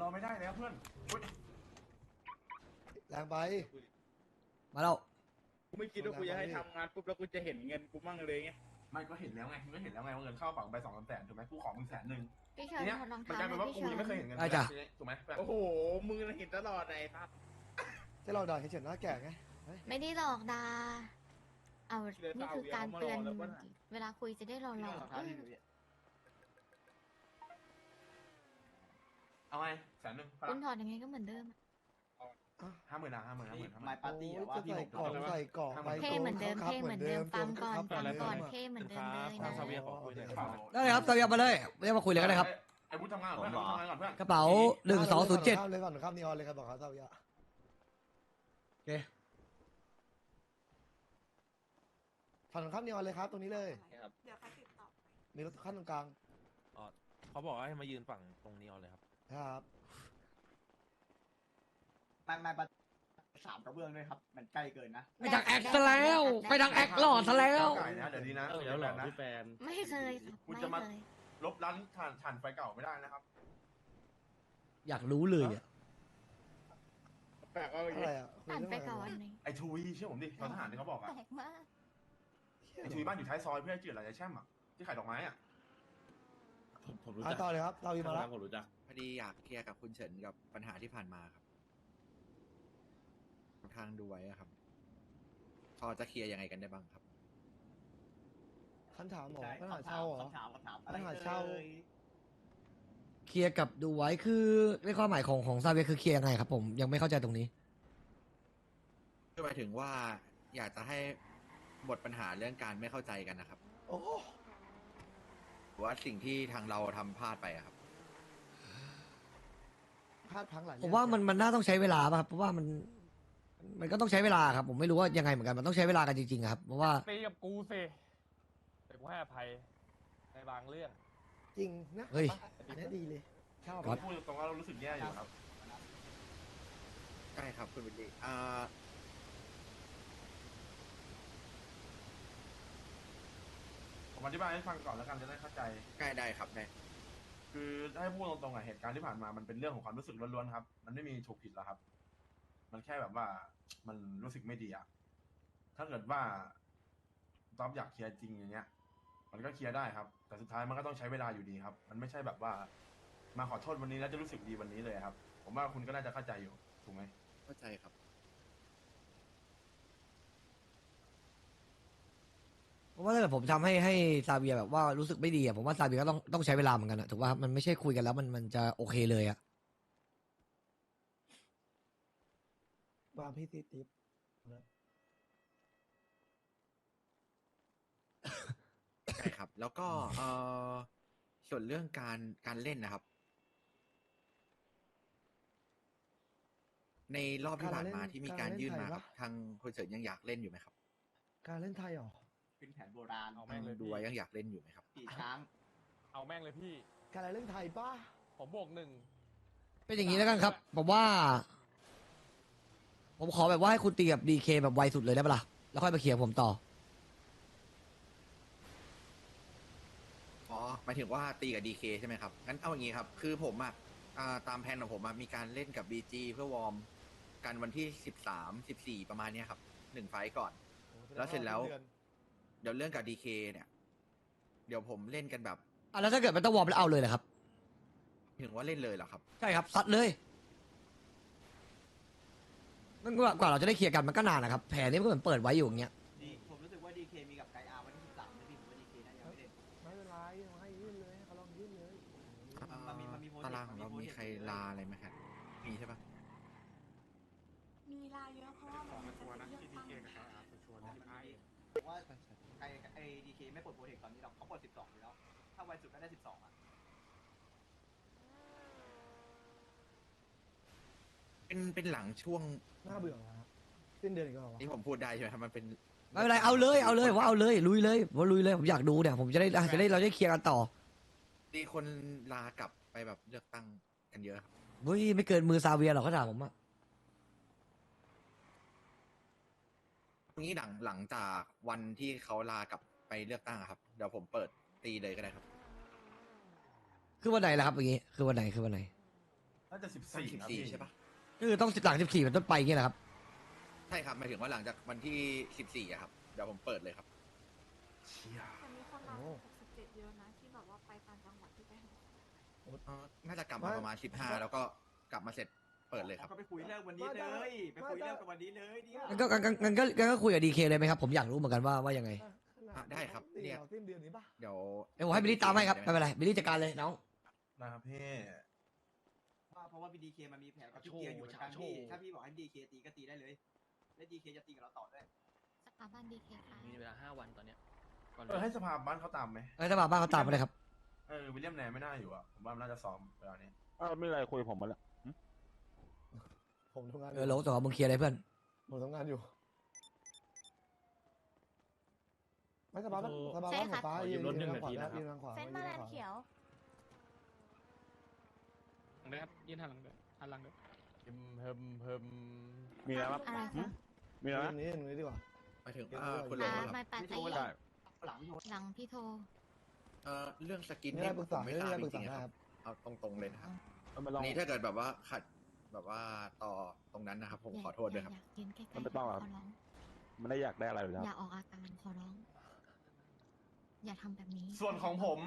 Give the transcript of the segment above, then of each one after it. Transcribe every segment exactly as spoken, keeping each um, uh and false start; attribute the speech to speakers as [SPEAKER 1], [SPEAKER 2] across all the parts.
[SPEAKER 1] อไม่ได้แล้วเพื่อน
[SPEAKER 2] แรงไป
[SPEAKER 3] มาแล้ว
[SPEAKER 4] กูไม่คิดว่ากูจะให้ทำงานปุ๊บแล้วกูจะเห็นเงินกูมั่งเลยไง
[SPEAKER 1] ไม่ก็เห็นแล้วไงมึงก็เห็นแล้วไงว่าเงินเข้าฝั่งไปสองสามแสนถูกไหมกูขอมึงแสนหนึ่ง
[SPEAKER 5] พี่เชิญ
[SPEAKER 1] เนี่ย
[SPEAKER 5] ถอดรอง
[SPEAKER 1] มัน
[SPEAKER 5] เท้าก
[SPEAKER 1] ลายเป็นว่า
[SPEAKER 5] พี่
[SPEAKER 1] กู
[SPEAKER 5] เชิญ
[SPEAKER 1] ยังไม่เคยเห็นเงินถูกไหม
[SPEAKER 4] โอ้โหมึงเห็นตลอดไอ้ครับ
[SPEAKER 2] จะเราด่าเฉยๆหน้าแก่ไง
[SPEAKER 5] ไม่ได้หลอกดาเอานี่คือการเตือนเวลาคุยจะได้หลอกหลอก
[SPEAKER 1] เอาไงแสนหนึ่ง
[SPEAKER 5] คุณถอดยังไงก็เหมือนเดิม
[SPEAKER 1] ห้าหมื่นนะห้าหมื่นห้าหมื่น
[SPEAKER 6] ไม้ปาร์ตี้อะว่า
[SPEAKER 2] จะ
[SPEAKER 6] พี่
[SPEAKER 2] ใส่
[SPEAKER 6] ผม
[SPEAKER 2] กล่องใส่กล่องไป
[SPEAKER 5] เท่เหมือนเดิมเท่เหมือนเดิมฟังก่อนฟังก่อนเท่เหมือนเดิมเลยนะ
[SPEAKER 3] ได้เลยครับตามยามาเลยเรียกมาคุยเลยก็ได้ครับ
[SPEAKER 1] ไอ้พุทธทำงานก่อนเพื่อนทำงานก่อนเพื่อน
[SPEAKER 3] กระเป๋าหนึ่งสองศูนย์เจ็ด
[SPEAKER 2] เลยฝั่งข้ามนีออนเลยครับบอกเขาเท่าไหร่
[SPEAKER 3] โอเค
[SPEAKER 2] ฝั่งข้ามนีออนเลยครับตรงนี้เลย
[SPEAKER 7] เดี๋ยวเขาติดต่อ
[SPEAKER 2] มีรถขั้นตรงกลาง
[SPEAKER 8] เขาบอกว่าให้มายืนฝั่งตรงนี้เอาเลยครับ
[SPEAKER 2] ครับ
[SPEAKER 6] ไม้ไม้ปาร์ตี้สามกระเบื้องด้วยครับ มันใกล้เกินนะ
[SPEAKER 3] ไปทางแอคซะแล้วไปทางแอคหล่อซะแล้ว
[SPEAKER 1] ไก่นะเดี๋ยวนี้นะ
[SPEAKER 8] เดี๋ยวหลอกพี่แฟน
[SPEAKER 5] ไม่เคยค่ะ
[SPEAKER 1] คุณ
[SPEAKER 5] ไม่
[SPEAKER 1] จะมา
[SPEAKER 5] เคย
[SPEAKER 1] ลบร้านถ่านถ่านไฟเก่าไม่ได้นะครับ
[SPEAKER 3] อยากรู้เลยอ่ะ
[SPEAKER 4] แปลกเอา
[SPEAKER 2] อะไรอ่ะคุย
[SPEAKER 5] อ่าน
[SPEAKER 2] เรื่อง
[SPEAKER 5] ไป
[SPEAKER 2] อะไร
[SPEAKER 5] ก่อน
[SPEAKER 2] วะ
[SPEAKER 5] หนึ่ง
[SPEAKER 1] ไอ้ทูวีเชื่อผมดิตอนทหารที่เขาบอก
[SPEAKER 5] แป
[SPEAKER 1] อะ
[SPEAKER 5] ลกมาก
[SPEAKER 1] ไอ้ทูวีบ้านอยู่ท้ายซอยเพื่อนจืดอะไรไอ้แช่มอะที่ขายดอกไม้อะ
[SPEAKER 8] ผมผมรู้
[SPEAKER 2] อ่ะ
[SPEAKER 8] จัก
[SPEAKER 2] ต่อเลยครับเราอีมาแล้ว
[SPEAKER 8] ผมรู้จัก
[SPEAKER 9] พอดีอยากเคลียร์กับคุณเฉินกับปัญหาที่ผ่านมาครับทางดูไว้อะครับ พอจะเคลียร์ยังไงกันได้บ้างครับ
[SPEAKER 2] คันถามหมอ
[SPEAKER 6] ใช่
[SPEAKER 2] ปัญหาเช่าเหรอ
[SPEAKER 6] คำถามคำถามอะไร
[SPEAKER 2] ปัญหาเช่า
[SPEAKER 6] อ่ย
[SPEAKER 3] เคลียร์กับดูไว้คือในความหมายของของซาเวียคือเคลียร์ยังไงครับผมยังไม่เข้าใจตรงนี้
[SPEAKER 9] ก็หมายถึงว่าอยากจะให้หมดปัญหาเรื่องการไม่เข้าใจกันนะครับ
[SPEAKER 2] โอ้
[SPEAKER 9] หรือว่าสิ่งที่ทางเราทำพลาดไปอะครับ
[SPEAKER 2] พลาดพลังหลาย
[SPEAKER 3] ผมว่ามันมันน่าต้องใช้เวลาป่ะครับเพราะว่ามันมันก็ต้องใช้เวลาครับผมไม่รู้ว่ายังไงเหมือนกันมันต้องใช้เวลากันจริงๆครับเพราะว่า
[SPEAKER 8] ตีกับกูสิแต่กูให้อภัยในบางเรื่อง
[SPEAKER 2] จริงนะ
[SPEAKER 3] เฮ้ย
[SPEAKER 2] อันนี้ดีเลยชอบ
[SPEAKER 3] ครับ
[SPEAKER 1] พูดตรงๆว่าเรารู้สึกแย่อยู่ครับ
[SPEAKER 9] ใช่ครับคุณวิลลี่อ่า
[SPEAKER 1] ผมอธิบายให้ฟังก่อนแล้วกันจะได้เข้าใจ
[SPEAKER 9] ใกล้ได้ครับได้
[SPEAKER 1] คือถ้าให้พูดตรงๆอะเหตุการณ์ที่ผ่านมามันเป็นเรื่องของความรู้สึกล้วนๆครับ มันไม่มีถูกผิดหรอกครับ มันแค่แบบว่ามันรู้สึกไม่ดีอะถ้าเกิดว่าต๊อบอยากเคลียร์จริงอย่างเงี้ย มันก็เคลียร์ได้ครับ แต่สุดท้ายมันก็ต้องใช้เวลาอยู่ดีครับ มันไม่ใช่แบบว่า มาขอโทษวันนี้แล้วจะรู้สึกดีวันนี้เลยครับ ผมว่าคุณก็น่าจะเข้าใจอยู่ถูกไหม
[SPEAKER 9] เข้าใจครับ
[SPEAKER 3] เพราะว่าถ้าเกิดผมทำให้ให้ซาเวียแบบว่ารู้สึกไม่ดีอะผมว่าซาเวียก็ต้องต้องใช้เวลาเหมือนกันอะถูกป่ะมันไม่ใช่คุยกันแล้วมันมันจะโอเคเลยอะ
[SPEAKER 2] วางพี่ติ๊บติ๊บ
[SPEAKER 9] ใช่ครับ แล้วก็เอ่อส่วนเรื่องการการเล่นนะครับ ในรอบที่ผ่านมาที่มีการยื่นมาครับทางคุณเฉินยังอยากเล่นอยู่ไหมครับ
[SPEAKER 2] การเล่นไทยเหรอ
[SPEAKER 6] เป็นแผนโบราณ
[SPEAKER 8] เอา
[SPEAKER 9] ทา
[SPEAKER 8] แม่ง
[SPEAKER 9] ง
[SPEAKER 8] เลย
[SPEAKER 9] ดู
[SPEAKER 8] พี่
[SPEAKER 9] ไว้ยังอยากเล่นอยู่ไหมครับ
[SPEAKER 6] ปีช้าง
[SPEAKER 8] เอาแม่งเลยพี่
[SPEAKER 2] การเล่นไทยป้า
[SPEAKER 8] ผมบวกหนึ่ง
[SPEAKER 3] เป็นอย่างนี้แล้วกันครับ ผมว่า ผมขอแบบว่าให้คุณตีกับดีเคแบบไวสุดเลยได้ปะล่ะแล้วค่อยมาเคลียร์ผมต่อ
[SPEAKER 9] อ๋อหมายถึงว่าตีกับ ดี เค ใช่ไหมครับ งั้นเอาอย่างนี้ครับ คือผมอ่ะอ่าตามแผนของผมอ่ะมีการเล่นกับ บี จี เพื่อวอร์มกันวันที่สิบสาม สิบสี่ประมาณเนี้ยครับหนึ่งไฟต์ก่อน แล้วเสร็จแล้ว เดี๋ยวเรื่องกับ ดี เค เนี่ย เดี๋ยวผมเล่นกันแบบ
[SPEAKER 3] อ่ะแล้วถ้าเกิดมันต้องวอร์มแล้วเอาเลยเหรอครับ
[SPEAKER 9] ถึงว่าเล่นเลยเหรอครับ
[SPEAKER 3] ใช่ครับซัดเลยมันกว่ากว่าเราจะได้เคลียร์กันมันก็นานนะครับแผลนี้มันก็เหมือนเปิดไว้อยู่อย่างเงี้ย
[SPEAKER 6] ดีผมรู้สึกว่าดีเคมีกับไกอาร์วันที่สิบสามนะพี่ผมว่าดีเคน่าจะไม่เล่น
[SPEAKER 2] ไม่เป็นไรให้ยื่นเลยให้เขาลองยื่นเลย
[SPEAKER 6] มันมีมันมีโปรเจกต์
[SPEAKER 9] ตารางของเรา
[SPEAKER 6] มันมี
[SPEAKER 9] มี
[SPEAKER 6] โปรเจกต์
[SPEAKER 9] ใครลาอะไรไหมครับ มีใช่ปะ
[SPEAKER 7] มีลายเยอะเพราะว่ามันจะเป็นเลือกตั้ง
[SPEAKER 6] ผมว่าไอไอดีเคไม่ปลดโปรเจกต์ตอนนี้หรอกเขาปลดสิบสองอยู่แล้ว ถ้าไวสุดก็ได้สิบสองอ่ะ
[SPEAKER 9] เป็นเป็นหลังช่วง
[SPEAKER 2] น่าเบื่อนะสิ้นเดือนอีกแล้วเหรอวะ
[SPEAKER 9] นี่ผมพูดได้ใช่ไหมครับมันเป็น
[SPEAKER 3] ไม่เป็นไรเอาเลยเอาเลยว่าเอาเลยลุยเลยว่าลุยเลยผมอยากดูเนี่ยผมจะได้จะได้เราได้เคลียร์กันต่อ
[SPEAKER 9] มีคนลากลับไปแบบเลือกตั้งกันเยอะครับ
[SPEAKER 3] เฮ้ยไม่เกินมือซาเวียหรอกเขาถามผมอะ
[SPEAKER 9] ตรงนี้หลังหลังจากวันที่เขาลากลับไปเลือกตั้งอะครับ เดี๋ยวผมเปิดตีเลยก็ได้ครับ
[SPEAKER 3] คือวันไหนล่ะครับอย่างงี้คือวันไหนคือวันไหน
[SPEAKER 1] น่าจะสิบ
[SPEAKER 9] สี่
[SPEAKER 1] สี่
[SPEAKER 9] สิบ
[SPEAKER 1] ครับ
[SPEAKER 9] สี่
[SPEAKER 1] พี่
[SPEAKER 9] ใช่ปะ
[SPEAKER 3] ก็คือต้องสิบหลังสิบสี่เป็นต้นไปอย่างเงี้ยแหละครับ
[SPEAKER 9] ใช่ครับหมายถึงว่าหลังจากวันที่สิบสี่อะครับเดี๋ยวผมเปิดเลยครับ
[SPEAKER 1] เชี่ย
[SPEAKER 7] แต่มีคนมาหกสิบเจ็ดเยอะนะที่แบบว่าไปต่างจังหวัดที่ไปหา
[SPEAKER 9] เอ่อน่าจะกลับมาประมาณสิบห้าแล้วก็กลับมาเสร็จเปิดเลยครับ
[SPEAKER 6] ก็ไปคุยเรื่องวันนี้เลย ไปคุยเรื่องกันวันนี้เลยเนี่ย
[SPEAKER 3] งั้นก็งั้นงั้นก็งั้นก็คุยกับดีเคเลยไหมครับ ผมอยากรู้เหมือนกันว่าว่ายังไง
[SPEAKER 9] อ่ะได้ครับเรียก
[SPEAKER 2] สิ้นเดือนนี้ปะ
[SPEAKER 9] เดี๋ยว
[SPEAKER 3] เดี๋ยวผมให้บิลลี่ตามให้ครับไม่เป็นไรบิลลี่จัดการเลยน้อง
[SPEAKER 1] นะครับพี่
[SPEAKER 6] เพราะว่าพีดีเคมันมีแผนกับพี่เกียร์อยู่เหมือนกันพี่ถ้าพี่บอกให้ดีเคตีก็ตีได้เลยและดีเคจะตีกับเราต่อด้วย
[SPEAKER 5] สถาบันดีเคค่ะ
[SPEAKER 8] มีเวลาห้าวันตอนเนี้ยก่อน
[SPEAKER 1] เออให้สภาบ้านเขาตามไหม
[SPEAKER 3] เอ้ยถ้ามาบ้านเขาตามไปเลยครับ
[SPEAKER 1] เออวิลเลียมแนนไม่น่าอยู่อ่ะผมว่ามันน่าจะซ้อมเวลานี้
[SPEAKER 10] เออไม่อะไรคุยผมมาแล้ว
[SPEAKER 2] ผมทำงานอ
[SPEAKER 3] เอยู่ อโหลส่งมึงเคลียร์เลยเพื่อน
[SPEAKER 2] ผมทำงานอยู่ไม่สบายบ้านสบายบ้านหัวฟ้ายืนยืนทางขวายืนทางขวา
[SPEAKER 5] เส้นมาแลนเขียว
[SPEAKER 8] นะครับยืนหันหลังด้วยหันหลังด้วยเฮิมเฮิมเฮิม
[SPEAKER 10] มีอะไรครับ
[SPEAKER 5] อะไรคะ
[SPEAKER 10] มีอะไร
[SPEAKER 2] ตร
[SPEAKER 10] นะ
[SPEAKER 2] งนี้ตรงนี้ดีกว่า
[SPEAKER 9] หมายถึงอ่าคุณโร
[SPEAKER 5] อ่า
[SPEAKER 9] ครับ
[SPEAKER 5] ไม่ปัด
[SPEAKER 6] ไม่
[SPEAKER 5] ไอ้
[SPEAKER 6] โทร
[SPEAKER 10] ได้
[SPEAKER 6] หลังพี่โทร
[SPEAKER 5] หลังพี่โทร
[SPEAKER 9] เอ่อเรื่องสกิน
[SPEAKER 2] ไม่ได้ปรึกษา
[SPEAKER 9] ผม
[SPEAKER 2] ไม่
[SPEAKER 9] ไม่ทรา
[SPEAKER 2] ได้
[SPEAKER 9] บ
[SPEAKER 2] ป
[SPEAKER 9] จ
[SPEAKER 2] รึกษา
[SPEAKER 9] ริงๆ
[SPEAKER 2] ได้
[SPEAKER 9] ค
[SPEAKER 2] ค
[SPEAKER 9] รั
[SPEAKER 2] รั
[SPEAKER 9] บบ เอาตรงๆเลยนะครับ
[SPEAKER 10] เอามาลอง
[SPEAKER 9] อันนี้ถ้าเกิดแบบว่าขัดแบบว่าต่อตรงนั้นนะครับ ผมขอโทษด้วยครับ
[SPEAKER 5] อยากยืนใกล้ๆ
[SPEAKER 10] มันไม่ต้องหรอก
[SPEAKER 5] ขอร้อง
[SPEAKER 10] มันได้อยากได้อะไรหรือ
[SPEAKER 5] อ
[SPEAKER 10] ค
[SPEAKER 5] ย่า
[SPEAKER 10] รับ
[SPEAKER 5] ออกอาการขอร้อง อย่าทำแบบนี้
[SPEAKER 1] ส่วนของผม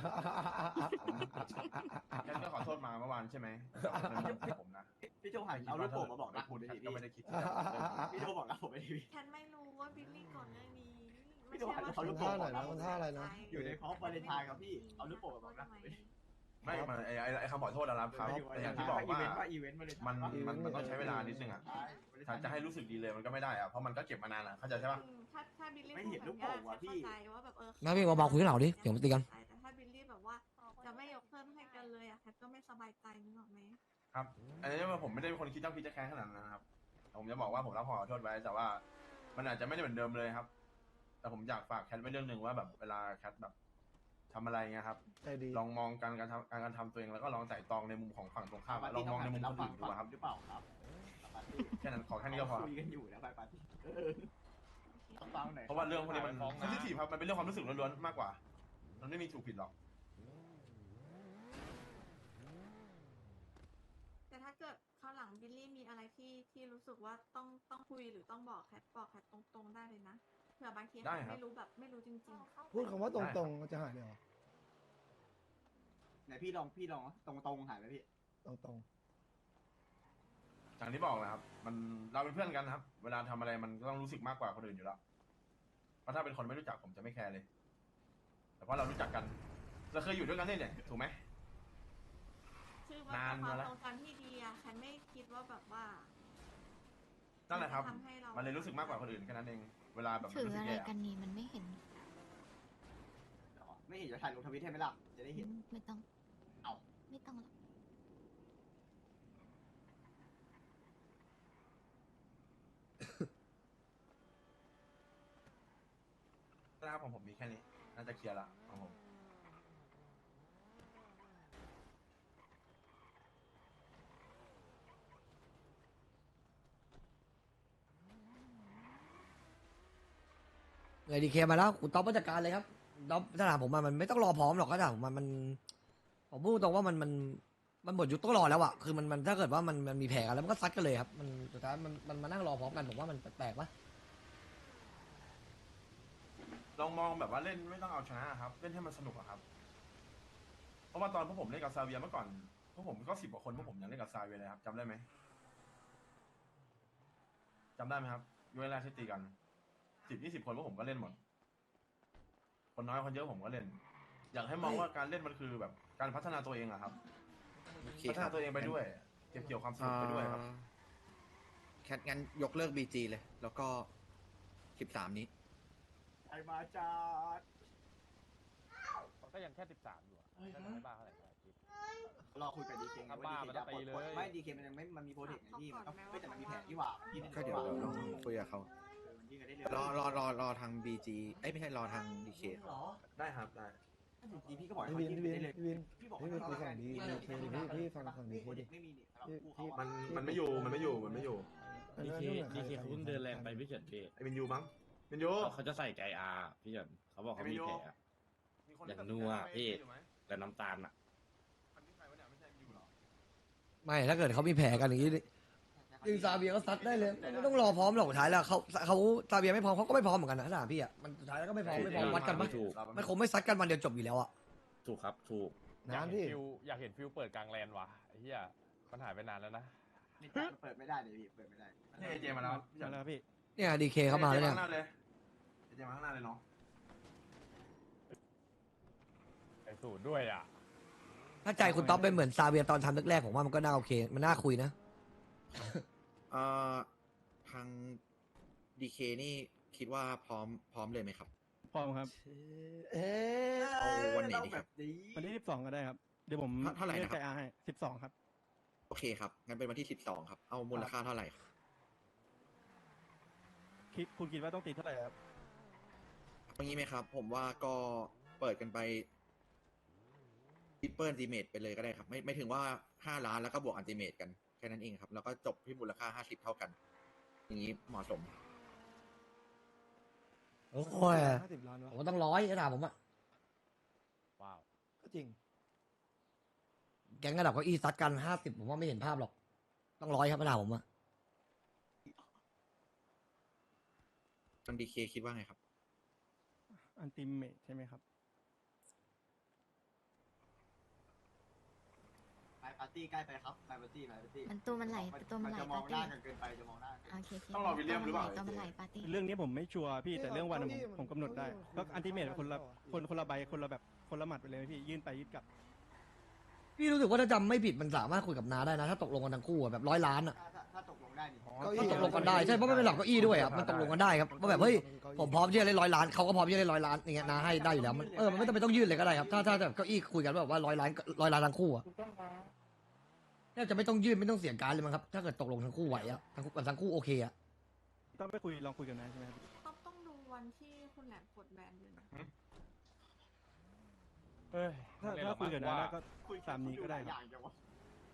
[SPEAKER 1] แค่ก็ขอโทษมาเมื่อวานใช่ไหมมันเป็นของผมนะ
[SPEAKER 6] พี่โทรหันเอาลูกโป่งมาบอกนะ
[SPEAKER 1] พูด
[SPEAKER 6] พี่
[SPEAKER 1] ก็ไม่ได้คิด
[SPEAKER 6] พี่โทรบอกนะผมไม่ได้พี่
[SPEAKER 7] แคนไม่รู้ว่าบิลลี่ก่อนหน้านี้
[SPEAKER 6] พี่โทรหันเขาลูก
[SPEAKER 2] ท่า
[SPEAKER 6] โป่ง
[SPEAKER 2] ไหนนะมันท่าอะไรนะ
[SPEAKER 6] อยู่ในพร้อมวาเลนไทน์ครับพี่เอาลูกโป่งมาบอกนะ
[SPEAKER 1] ไม่มันไอ้ไอ้ไอ้คำขอโทษนะครับครับแต่อย่างที่บอกว่า
[SPEAKER 6] ว่าอีเวนต์วาเลนไทน์
[SPEAKER 1] มันมันมันต้องใช้เวลานิดนึงอ่ะถ้าจะให้รู้สึกดีเลยมันก็ไม่ได้อ่ะเพราะมันก็เก็บมานานอ่ะเข้าใจใช่ปะ
[SPEAKER 7] ถ้าถ้าบิลลี่
[SPEAKER 6] ไม่เห็นลูกโป่งว่ะพี่
[SPEAKER 7] เข้าใจว่าแบบเออ
[SPEAKER 3] งั้นพี่เบาๆคุยกันเหล่าดิเดี๋ยวมาตีกัน
[SPEAKER 7] แต่ถ้าบิลลี่แบบว่าจะไม่ยกเพิ่มให้กันเลยอ่ะแคทก็ไม่สบายใจนึกออกไหม
[SPEAKER 1] ครับอันนี้ว่าผมไม่ได้เป็นคนคิดเจ้าคิดจะแค้นขนาดนั้นนะครับผมจะบอกว่าผมรับขอโทษไว้แต่ว่า มันอาจจะไม่ได้เหมือนเดิมเลยครับ แต่ผมอยากฝากแคทไว้เรื่องหนึ่งว่าแบบเวลาแคทแบบทำอะไรเงี้ยครับ
[SPEAKER 2] ใจดี
[SPEAKER 1] ลองมองการการทำการการทำตัวเองแล้วก็ลองไต่ตองในมุมของฝั่งตรงข้ามอะลองมองในมุมคนอื่นดูอะครับ
[SPEAKER 6] หรือเปล่าครับ
[SPEAKER 1] แค่นั้นขอแค่นี้ก็พอครับ
[SPEAKER 6] คุยกันอยู่นะไปปาร์ตี้ต้องฟังหน่อย
[SPEAKER 1] เพราะว่าเรื่องพวกนี้มันเซนซิทีฟครับมันเป็นเรื่องความรู้สึกล้วนๆมากกว่า มันไม่มีถูกผิดหรอก
[SPEAKER 7] แต่ถ้าเกิดคราวหลังบิลลี่มีอะไรที่ที่รู้สึกว่าต้องต้องคุยหรือต้องบอกแคทบอกแคทตรงๆได้เลยนะเผื่อบางทีแคทไม่รู้แบบไม่รู้จริงๆ
[SPEAKER 2] พูดคำว่าตรงๆมันจะหายเลยเหรอ
[SPEAKER 6] ไหนพี่ลองพี่ลองตรงตรงๆหายไหมพี่
[SPEAKER 2] ตรง
[SPEAKER 1] อย่างที่บอกนะครับ มันเราเป็นเพื่อนกันนะครับ เวลาทำอะไรมันก็ต้องรู้สึกมากกว่าคนอื่นอยู่แล้วเพราะถ้าเป็นคนไม่รู้จักผมจะไม่แคร์เลย แต่เพราะเรารู้จักกันเราเคยอยู่ด้วยกันนี่เนี่ยถูกไหม
[SPEAKER 7] คือมัน
[SPEAKER 1] นาน
[SPEAKER 7] เป็นความ
[SPEAKER 1] มาแล้ว
[SPEAKER 7] ทรงจำที่ดีอะฉันไม่คิดว่าแบบว่า
[SPEAKER 1] นั่นแหละครับ
[SPEAKER 7] ทำให้เรา
[SPEAKER 1] มันเลยรู้สึกมากกว่าคนอื่นแค่นั้นเอง เวลาแบบ
[SPEAKER 5] ถือ
[SPEAKER 1] รู้สึก
[SPEAKER 5] อะไร
[SPEAKER 1] แย่
[SPEAKER 5] กันนี่มันไม่เห็น
[SPEAKER 6] ไม่เห็นจะถ่ายลงทวิตให้ไหมล่ะจะได้เห็น
[SPEAKER 5] ไม่ต้อง
[SPEAKER 6] เอา
[SPEAKER 5] ไม่ต้องหรอก
[SPEAKER 1] นะครับของผมมีแค่นี้ น่าจะเคลียร์ละของผม
[SPEAKER 3] เลยดีเคมาแล้วคุณต๊อบมาจัดการเลยครับต๊อบถ้าถามผมอะมันไม่ต้องรอพร้อมหรอกก็ถามผมมันมันผมพูดตรงว่ามันมันมันหมดยุคต้องรอแล้วอะคือมันมันถ้าเกิดว่ามันมันมีแผลกันแล้วมันก็ซัดกันเลยครับมันสุดท้ายมันมันมานั่งรอพร้อมกันผมว่ามันแปลกๆปะ
[SPEAKER 1] ลองมองแบบว่าเล่นไม่ต้องเอาชนะครับ เล่นให้มันสนุกอะครับ เพราะว่าตอนพวกผมเล่นกับซาเวียเมื่อก่อนพวกผมก็สิบกว่าคนพวกผมยังเล่นกับซาเวียเลยครับจำได้ไหมจำได้ไหมครับยุคแรกที่ตีกันสิบยี่สิบคนพวกผมก็เล่นหมด คนน้อยคนเยอะผมก็เล่น อยากให้มองว่าการเล่นมันคือแบบการพัฒนาตัวเองอะครับ
[SPEAKER 9] โอเค
[SPEAKER 1] พัฒ
[SPEAKER 9] ครั
[SPEAKER 1] นา
[SPEAKER 9] บ
[SPEAKER 1] ตัวเองไปด้วย เก็บเกี่ยวความสนุกไปด้วยครับ
[SPEAKER 9] อ่าแคทงั้นยกเลิกบีจีเลย แล้วก็สิบสามนี้
[SPEAKER 6] ไอมาจัด
[SPEAKER 8] ก็ยังแค่สิบสามอยู่อะน่าจะไม่บ้าเท่าไหร่นะคิด
[SPEAKER 6] รอคุยกับดีเคไงว่าดีเคจะปลดปลดไม่ดีเคมันยังไม่มันมีโปรเจกต์ไงพี่มันก็ไม่แต่มันมีแผนที่ว่าพี่นี่
[SPEAKER 9] ก็เดี๋ยวเดี๋ยวลองคุยกับเขา
[SPEAKER 6] มันยิ่งกันได้เร็
[SPEAKER 9] รอ
[SPEAKER 6] ว
[SPEAKER 9] รอรอรอทางบีจีเอ้ยไม่ใช่รอทางดีเคครับ
[SPEAKER 1] ได้ครับได้
[SPEAKER 6] ดีพี่ก็บอก
[SPEAKER 2] ๆพี่วินพี่วิน
[SPEAKER 6] ได้เลย
[SPEAKER 2] พี่วิน
[SPEAKER 6] พี่บอก
[SPEAKER 2] พี่วินคุยฝั่งดีดีเคดิพี่พี่ฟังฝั่งดีเคดิ
[SPEAKER 6] ไม่มีนี่สำหรับคู่เขา
[SPEAKER 1] มันมันไม่อยู่มันไม่อยู่มันไม่อยู่
[SPEAKER 2] ดีเคดีเคเขาเพิ่งเดินแรงไปพี่
[SPEAKER 1] ไอ้เมนยูมั้งเมนยู
[SPEAKER 10] เขาจะใส่ใจอาพี่เฉินเขาบอกเขามีแผล
[SPEAKER 1] มีคน
[SPEAKER 10] อย่างนัวพี่ แต่น้ำตาลอ่ะ
[SPEAKER 1] มันไม่ใช่วะเนี่ยไม่ใช่เมนยูหรอ
[SPEAKER 3] ไม่ถ้าเกิดเขามีแผลกันอย่างนี้ยิงซาเบียก็ซัดได้เลยไม่ต้องรอพร้อมหรอกสุดท้ายแล้วเขาเขาซาเบียไม่พร้อมเขาก็ไม่พร้อมเหมือนกันนะถ้าถามพี่อ่ะมันสุดท้ายแล้วก็ไม่พร้อมไม่พร้อมวัดกันปะ
[SPEAKER 10] ถูก
[SPEAKER 3] มันคงไม่ซัดกันวันเดียวจบอยู่แล้วอ่ะ
[SPEAKER 10] ถูกครับ ถูก
[SPEAKER 8] อยาก
[SPEAKER 2] น้ำ
[SPEAKER 8] เห็น
[SPEAKER 2] พี่
[SPEAKER 8] ฟิวอยากเห็นฟิวเปิดกลางแลนด์ว่ะไอ้เหี้ยมันหายไปนานแล้วนะ
[SPEAKER 6] นี่จัดเปิดไม่ได้เลยพี่เปิดไม่ได้
[SPEAKER 1] นี่เอเจมาแล้วพี่
[SPEAKER 4] มาแล้วพี่
[SPEAKER 3] เนี่ยดีเคเข้ามาแล้วเนี่ย
[SPEAKER 1] ข้างหน้าเลยเอเจมาข้างหน้าเลยเนาะ
[SPEAKER 8] ไอ้สูตรด้วยอ่ะ
[SPEAKER 3] ถ้าใจคุณต๊อบเป็นเหมือนซาเบียตอนทำแรกๆผมว่ามันก็น่าโอเค มันน่าคุยนะ
[SPEAKER 9] เอ่อทางดีเคนี่คิดว่าพร้อมพร้อมเลยไหมครับ
[SPEAKER 4] พร้อมครับ
[SPEAKER 2] เอ๊ะ
[SPEAKER 9] เอาวันไหนดีครับ
[SPEAKER 4] วันที่สิบสองก็ได้ครับ เดี๋ยวผม
[SPEAKER 9] เท่าไหร่
[SPEAKER 4] เลือก
[SPEAKER 9] นะครับ
[SPEAKER 4] ใจอาให้สิบสองครับ
[SPEAKER 9] โอเคครับ งั้นเป็นวันที่สิบสองครับ เอามูลค่าเท่าไหร่ครับ
[SPEAKER 4] คิดคุณคิดว่าต้องตีเท่าไหร่ครับ
[SPEAKER 9] เอางี้ไหมครับ ผมว่าก็เปิดกันไปทิปเปิลอันติเมตไปเลยก็ได้ครับ ไม่ไม่ถึงว่าห้าล้านแล้วก็บวกอันติเมตกันแค่นั้นเองครับ แล้วก็จบที่มูลค่าห้าสิบเท่ากัน อย่างนี้เหมาะสม
[SPEAKER 3] โอ้ย
[SPEAKER 2] ห้าสิบล้าน
[SPEAKER 3] ผม
[SPEAKER 2] วะ
[SPEAKER 3] ก็ต้องร้อยถ้าถามผมอะ
[SPEAKER 8] ว้าว
[SPEAKER 2] ก็จริง
[SPEAKER 3] แก๊งกระดับเก้าอี้ซัดกันห้าสิบผมว่าไม่เห็นภาพหรอก ต้องร้อยครับถ้าถามผมอะ
[SPEAKER 9] ทางดีเคคิดว่าไงครับ
[SPEAKER 4] อันติเมทใช่ไหมครับ
[SPEAKER 6] ไปปาร์ตี้ใกล้ไปครับไปปาร์ตี้ไปปาร์ตี้
[SPEAKER 5] มันตัวมันไหลตัวมันไหล
[SPEAKER 6] จะมอง
[SPEAKER 5] ปาร์
[SPEAKER 6] ห
[SPEAKER 5] ตี้
[SPEAKER 6] น้ากันเกินไปจะมองหน้ากัน
[SPEAKER 5] โอเคโอเค
[SPEAKER 1] ต้องรอวิลเลียมหรือเปล่า
[SPEAKER 5] ตัวมันไหลปาร์ตี้
[SPEAKER 4] เรื่องนี้ผมไม่ชัวร์พี่ แต่เรื่องวันอะผม
[SPEAKER 2] เก้าอี้
[SPEAKER 4] ผมกำหนดได้
[SPEAKER 2] มัน
[SPEAKER 4] ก็อันติเมท
[SPEAKER 2] เก้าอี้
[SPEAKER 4] คนละ
[SPEAKER 2] มัน
[SPEAKER 4] คนคนละใบคนละแบบคนละหมัดไปเลยพี่ยื่นไปยื่นกลับ
[SPEAKER 3] พี่รู้สึกว่าถ้าจำไม่ผิดมันสามารถคุยกับนาได้นะ ถ้าตกลงกันทั้งคู่อะแบบร้อยล้านอะ
[SPEAKER 6] ถ้าถ้าถ้าตกลงได้นี่
[SPEAKER 2] เก้าอี้
[SPEAKER 3] ถ้าตกลงกันได้ใช่เพราะมันเป็นหลักเก้าอี้ด้วยอะมันตกลงกันได้ครับว่าแบบเฮ้ยผมพร้อมที่จะเล่นร้อยล้านเขาก็พร้อมที่จะเล่นร้อยล้านอย่างเงี้ยนาให้ได้อยู่แล้วมันเออมันไม่ต้องไปต้องยื่นเลยก็ได้ครับถ้าถ้าแบบเก้าอี้คุยกันแบบว่าร้อยล้านร้อยล้านทั้งคู่อะแทบจะไม่ต้องยื่นไม่ต้องเสียการเลยมั้งครับถ้าเกิดตกลงทั้งคู่ไหวอะทั้งคู่ทั้งคู่โอเคอะ
[SPEAKER 4] ต้องไปคุยลองคุยกันนะใช่ไหมครับ
[SPEAKER 7] ต้องต้องดูวันที่คุณแหลมกดแบนด้วยนะ
[SPEAKER 8] เฮ้ย
[SPEAKER 4] ถ้า
[SPEAKER 8] มันเล่น
[SPEAKER 4] ถ้าคุยกันนะ
[SPEAKER 8] ว่า
[SPEAKER 4] ก็ตามนี้ก็ได้ครับ
[SPEAKER 6] อย่างเดียววะ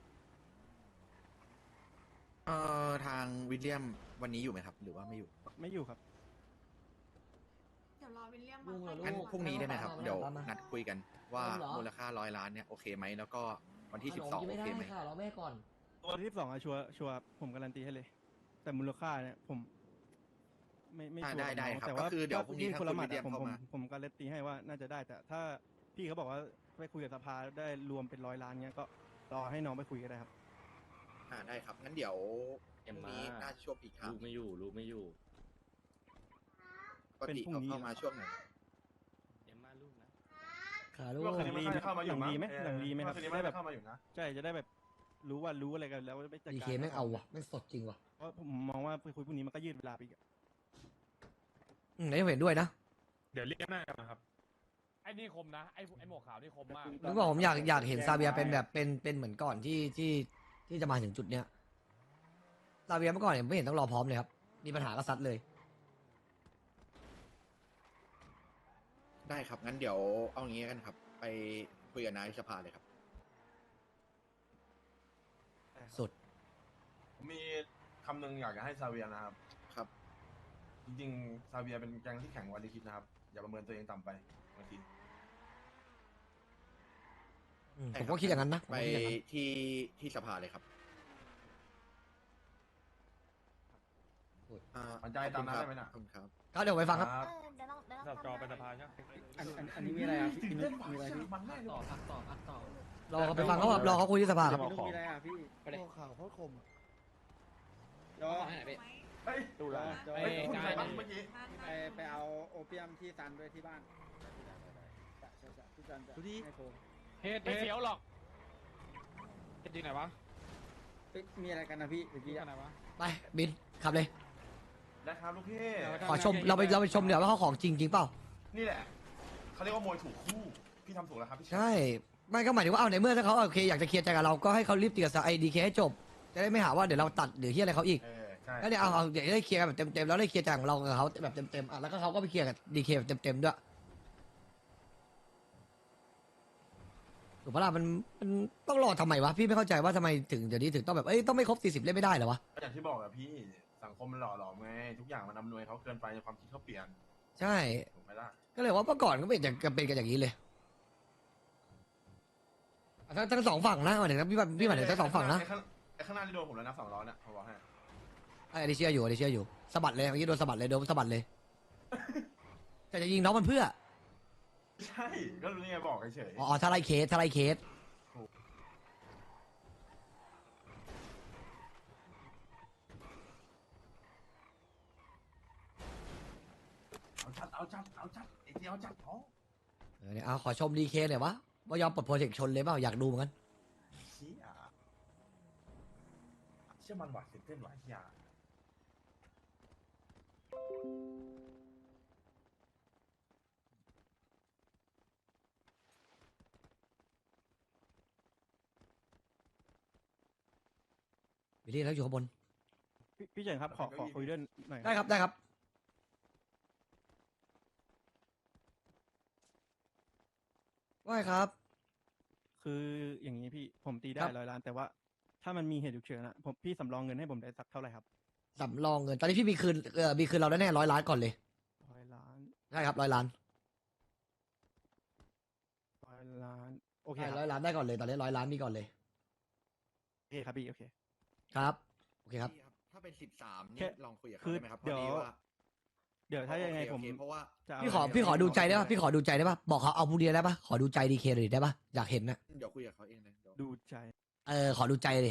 [SPEAKER 9] เอ่อทางวิลเลียมวันนี้อยู่ไหมครับ หรือว่าไม่อยู่
[SPEAKER 4] ไม่อยู่ครับ
[SPEAKER 7] เดี๋ยวรอวิลเลียม
[SPEAKER 3] ลุงเหรอ
[SPEAKER 7] มา
[SPEAKER 9] งั้น
[SPEAKER 3] ลูก
[SPEAKER 9] พรุ่งนี้ได้ไหมครับ เดี๋ยว
[SPEAKER 3] มามา
[SPEAKER 9] นัดคุยกันว่า
[SPEAKER 3] เอาเหรอ
[SPEAKER 9] มูลค่าร้อยล้านเนี่ยโอเคไหม แล้วก็วันที่สิบสอง
[SPEAKER 3] ไม่
[SPEAKER 9] โอ
[SPEAKER 3] ได้
[SPEAKER 9] เคไหม
[SPEAKER 3] ค่ะรอแม่ก่อน
[SPEAKER 4] ตัวที่สิบสองอะชัวร์ชัวร์ผมการันตีให้เลย แต่มูลค่าเนี่ยผม ไม่ไม่
[SPEAKER 9] อ่า
[SPEAKER 4] ชัวร์
[SPEAKER 9] ได้ได้
[SPEAKER 4] กับน้อง
[SPEAKER 9] ครับ
[SPEAKER 4] แต่
[SPEAKER 9] ก็
[SPEAKER 4] ว่า
[SPEAKER 9] คือเดี๋ยวพรุ่งนี้
[SPEAKER 4] ยื่
[SPEAKER 9] ถ้า
[SPEAKER 4] คนละ
[SPEAKER 9] คุณ
[SPEAKER 4] หมัด
[SPEAKER 9] วิลเลีย
[SPEAKER 4] อะ
[SPEAKER 9] ม
[SPEAKER 4] ผม
[SPEAKER 9] เข้า
[SPEAKER 4] ผม
[SPEAKER 9] มา
[SPEAKER 4] ผมการันตีให้ว่าน่าจะได้ แต่ถ้าพี่เขาบอกว่าไปคุยกับสภาได้รวมเป็นร้อยล้านเงี้ยก็รอให้น้องไปคุยก็ได้ครับ
[SPEAKER 9] อ่าได้ครับ งั้นเดี๋ยวพ
[SPEAKER 10] เอ็ม
[SPEAKER 9] รุ่ง
[SPEAKER 10] มา
[SPEAKER 9] นี้น่าจะช่วงปีครับ
[SPEAKER 10] ลูกไม่อยู่ ลูกไม่อยู่
[SPEAKER 9] ปกติ
[SPEAKER 4] เป็นพรุ่
[SPEAKER 9] เขา
[SPEAKER 4] งนี้
[SPEAKER 9] เข้ามาช่วงไหน
[SPEAKER 10] เอ็มมาลูกนะ
[SPEAKER 3] ขาลูก
[SPEAKER 1] ว่าคืนนี้ไม่ค่อยเข้ามาอยู่มั้ง
[SPEAKER 4] หลังดีไหม
[SPEAKER 1] เออ
[SPEAKER 4] หลังดีไหมครับ
[SPEAKER 1] ว่าคืนนี้
[SPEAKER 4] ได้
[SPEAKER 1] ไม่
[SPEAKER 4] แบบ
[SPEAKER 1] เข้ามาอยู่นะ
[SPEAKER 4] ใช่จะได้แบบรู้ว่ารู้อะไรกันแล้วไม่จัด
[SPEAKER 3] ดี
[SPEAKER 4] การ
[SPEAKER 3] เคแม่งเอาว่ะแม่งสดจริงว่ะ
[SPEAKER 4] เพราะผมมองว่าไปคุยพรุ่งนี้มันก็ยืดเวลาไปอีกอะ
[SPEAKER 3] อืมไหนเห็นด้วยนะ
[SPEAKER 10] เดี๋ยวเรียกหน้ากันนะครับ
[SPEAKER 8] ไอ้นี่คมนะไอ้ไอ้หมวกขาวนี่คมมาก
[SPEAKER 3] ผมบอกผมอยากอยากเห็นซาเบียเป็นแบบเป็นเป็นเหมือนก่อนที่ที่ที่จะมาถึงจุดเนี้ยซาเบียเมื่อก่อนเนี่ยไม่เห็นต้องรอพร้อมเลยครับมีปัญหาก็ซัดเลย
[SPEAKER 9] ได้ครับ งั้นเดี๋ยวเอางี้กันครับ ไปคุยกับนายสภาเลยครับ
[SPEAKER 3] สุด
[SPEAKER 1] ผมมีคำหนึ่งอยากจะให้ซาเวียนะครับ
[SPEAKER 9] ครับ
[SPEAKER 1] จริงๆซาเวียเป็นแก๊งที่แข่งกวันที่คิดนะครับ อย่าประเมินตัวเองต่ำไปบางที
[SPEAKER 3] อืมผมก็คิดอย่างนั้นนะผม
[SPEAKER 9] ไป
[SPEAKER 3] ก็คิดอย่างนั้น
[SPEAKER 9] ที่ที่สภาเลยครับอ่า
[SPEAKER 1] ปัญญาตามนั้นได้ไหมน่ะ
[SPEAKER 9] ขอบคุณครับ
[SPEAKER 3] ก็เดี๋ยวไปฟังครับ
[SPEAKER 5] เออเดี๋ยวเราเดี๋ยวเรา
[SPEAKER 8] สับจอเป็นสภาใช่ไหม
[SPEAKER 4] อันอันอันนี้มีอะไรอ่ะพี่
[SPEAKER 1] เล่นมีอะไรมันแน่เลย
[SPEAKER 3] รอเขาไปฟังเขาครับรอเขาคุยที่สภาครับ
[SPEAKER 4] มีอะไรอ่ะพี่
[SPEAKER 2] โอ้ข่าวโคตรคม
[SPEAKER 4] รอ
[SPEAKER 1] เฮ้ย
[SPEAKER 8] ดูแล
[SPEAKER 1] เฮ้ยคุณใครบ้างเมื่อกี้
[SPEAKER 4] ไปไปเอาโอเปียมที่ซันด้วยที่บ้านที่ซันจะให้โทร
[SPEAKER 8] เฮ็ดไม่เสียวหรอกเฮ็ดจริงไหนวะ
[SPEAKER 4] มีอะไรกันนะพี่เมื่อ
[SPEAKER 8] จริ
[SPEAKER 4] กี้
[SPEAKER 8] งไหนวะ
[SPEAKER 3] ไปบินขับเลย
[SPEAKER 1] นะครับลูกพี่
[SPEAKER 3] ขอชมเราไปเราไปชมเดี๋ยวว่าเขาของจริงจริงเปล่า
[SPEAKER 1] นี่แหละเขาเรียกว่ามวยถูกคู่ พี่ทำถูกแล้วครับพี่
[SPEAKER 3] ใช่ไม่ก็หมายถึงว่าเอาในเมื่อถ้าเขาโอเคอยากจะเคลียร์ใจกับเราก็ให้เขารีบตีกับไอดีเคให้จบจะได้ไม่หาว่าเดี๋ยวเราตัดหรือที่อะไรเขาอีก
[SPEAKER 1] เออใช่
[SPEAKER 3] แล้วเนี่ยเอาเอาเดี๋ยวได้เคลียร์กันแบบเต็มๆแล้วได้เคลียร์ใจของเรากับเขาแบบเต็มๆอ่ะแล้วก็เขาก็ไปเคลียร์กับดีเคแบบเต็มๆด้วยถูกปะล่ะมันมันต้องรอทำไมวะพี่ไม่เข้าใจว่าทำไมถึงเดี๋ยวนี้ถึงต้องแบบเอ้ยต้องไม่ครบสี่สิบเล่นไม่ได้เหรอวะ
[SPEAKER 1] ก็อย่างที่บอกอะพี่สังคมมันหล่อหลอมไงทุกอย่างมันอำนวยเขาเกินไปความคิดเขาเปลี่ยน
[SPEAKER 3] ใช่
[SPEAKER 1] ถูกไหมล่ะ
[SPEAKER 3] ก็เลยว่าเมื่อก่อนก็เป็นอย่างเป็นกันอย่างนี้เลยทั้งทั้งสองฝั่งนะหมายถึงพี่พี่หมายถึงทั้งสองฝั่งนะ
[SPEAKER 1] ไอ้ข้างไอ้ข้างหน้าที่โดนผมแล้วนะสองล้อเนี่ยผมบอกให้
[SPEAKER 3] ไอ้ดิเชียอยู่ไอ้ดิเชียอยู่สะบัดเลยเมื่อกี้โดนสะบัดเลยโดนสะบัดเลยแต่จะยิงน้องมันเพื่อ
[SPEAKER 1] ใช่ก็รู้นี่ไงบอกเฉย
[SPEAKER 3] อ๋อถ้าไล่เคสถ้าไล่เคส
[SPEAKER 1] เอาจัดเอาจัดเอาจัดไอ้เจียวจัดเขา
[SPEAKER 3] เออเนี่ยเอาขอชมดีเคหน่อยวะว่ายอมปลดโปรเจกต์ชนเลยเปล่าอยากดูเหมือนกัน
[SPEAKER 1] เชี่ยเชื่อมันหวาดเสียเต้นหวาดเชี่ย
[SPEAKER 3] บิลลี่แล้วอยู่ข้างบน
[SPEAKER 4] พี่พี่เฉินครับขอขอคุยด้วยหน่อย
[SPEAKER 3] ได้ครับได้ครับว่าไงครับ
[SPEAKER 4] คืออย่างนี้พี่ผมตีได้
[SPEAKER 3] ครับ
[SPEAKER 4] ร้อยล้านแต่ว่าถ้ามันมีเหตุฉุกเฉินอะผมพี่สำรองเงินให้ผมได้สักเท่าไหร่ครับ
[SPEAKER 3] สำรองเงินตอนนี้พี่มีคืนเออมีคืนเราแน่ร้อยล้านก่อนเลย
[SPEAKER 4] ร้อยล้าน
[SPEAKER 3] ใช่ครับร้อยล้าน
[SPEAKER 4] ร้อยล้านโอเค
[SPEAKER 3] ใช่
[SPEAKER 4] ค
[SPEAKER 3] ร้
[SPEAKER 4] รั
[SPEAKER 3] อบ ยล้านได้ก่อนเลยตอนนี้ร้อยล้านมีก่อนเลย
[SPEAKER 4] โอเคครับพี่โอเค
[SPEAKER 3] ครับโอเคครับ
[SPEAKER 9] พี่ครับถ้าเป็นสิบสาม
[SPEAKER 4] แค่
[SPEAKER 9] นี่ลองคุยกับ
[SPEAKER 4] คื
[SPEAKER 9] เขา
[SPEAKER 4] อ
[SPEAKER 9] ได้ไหมครับ
[SPEAKER 4] เดี๋ยว
[SPEAKER 9] พอว่า
[SPEAKER 4] เดี๋ยวถ้ายังไง
[SPEAKER 9] โอเค
[SPEAKER 4] ผม
[SPEAKER 9] โอเคเพราะว่า
[SPEAKER 4] จะเา
[SPEAKER 3] พี่ขอ
[SPEAKER 4] เงิน
[SPEAKER 3] พี่ขอดูใจได้
[SPEAKER 9] ไม่
[SPEAKER 3] ป่ะ
[SPEAKER 9] ได้
[SPEAKER 3] พี่ขอดูใจได้ป่ะบอกเขาเอาพรุ่งนี้ได้ป่ะขอดูใจดีเคเลยได้ป่ะอยากเห็นนะ
[SPEAKER 9] เดี๋ยวคุยกับเขาเองเลยเดี๋ยว
[SPEAKER 4] ดูใจ
[SPEAKER 3] เออขอดูใจเลย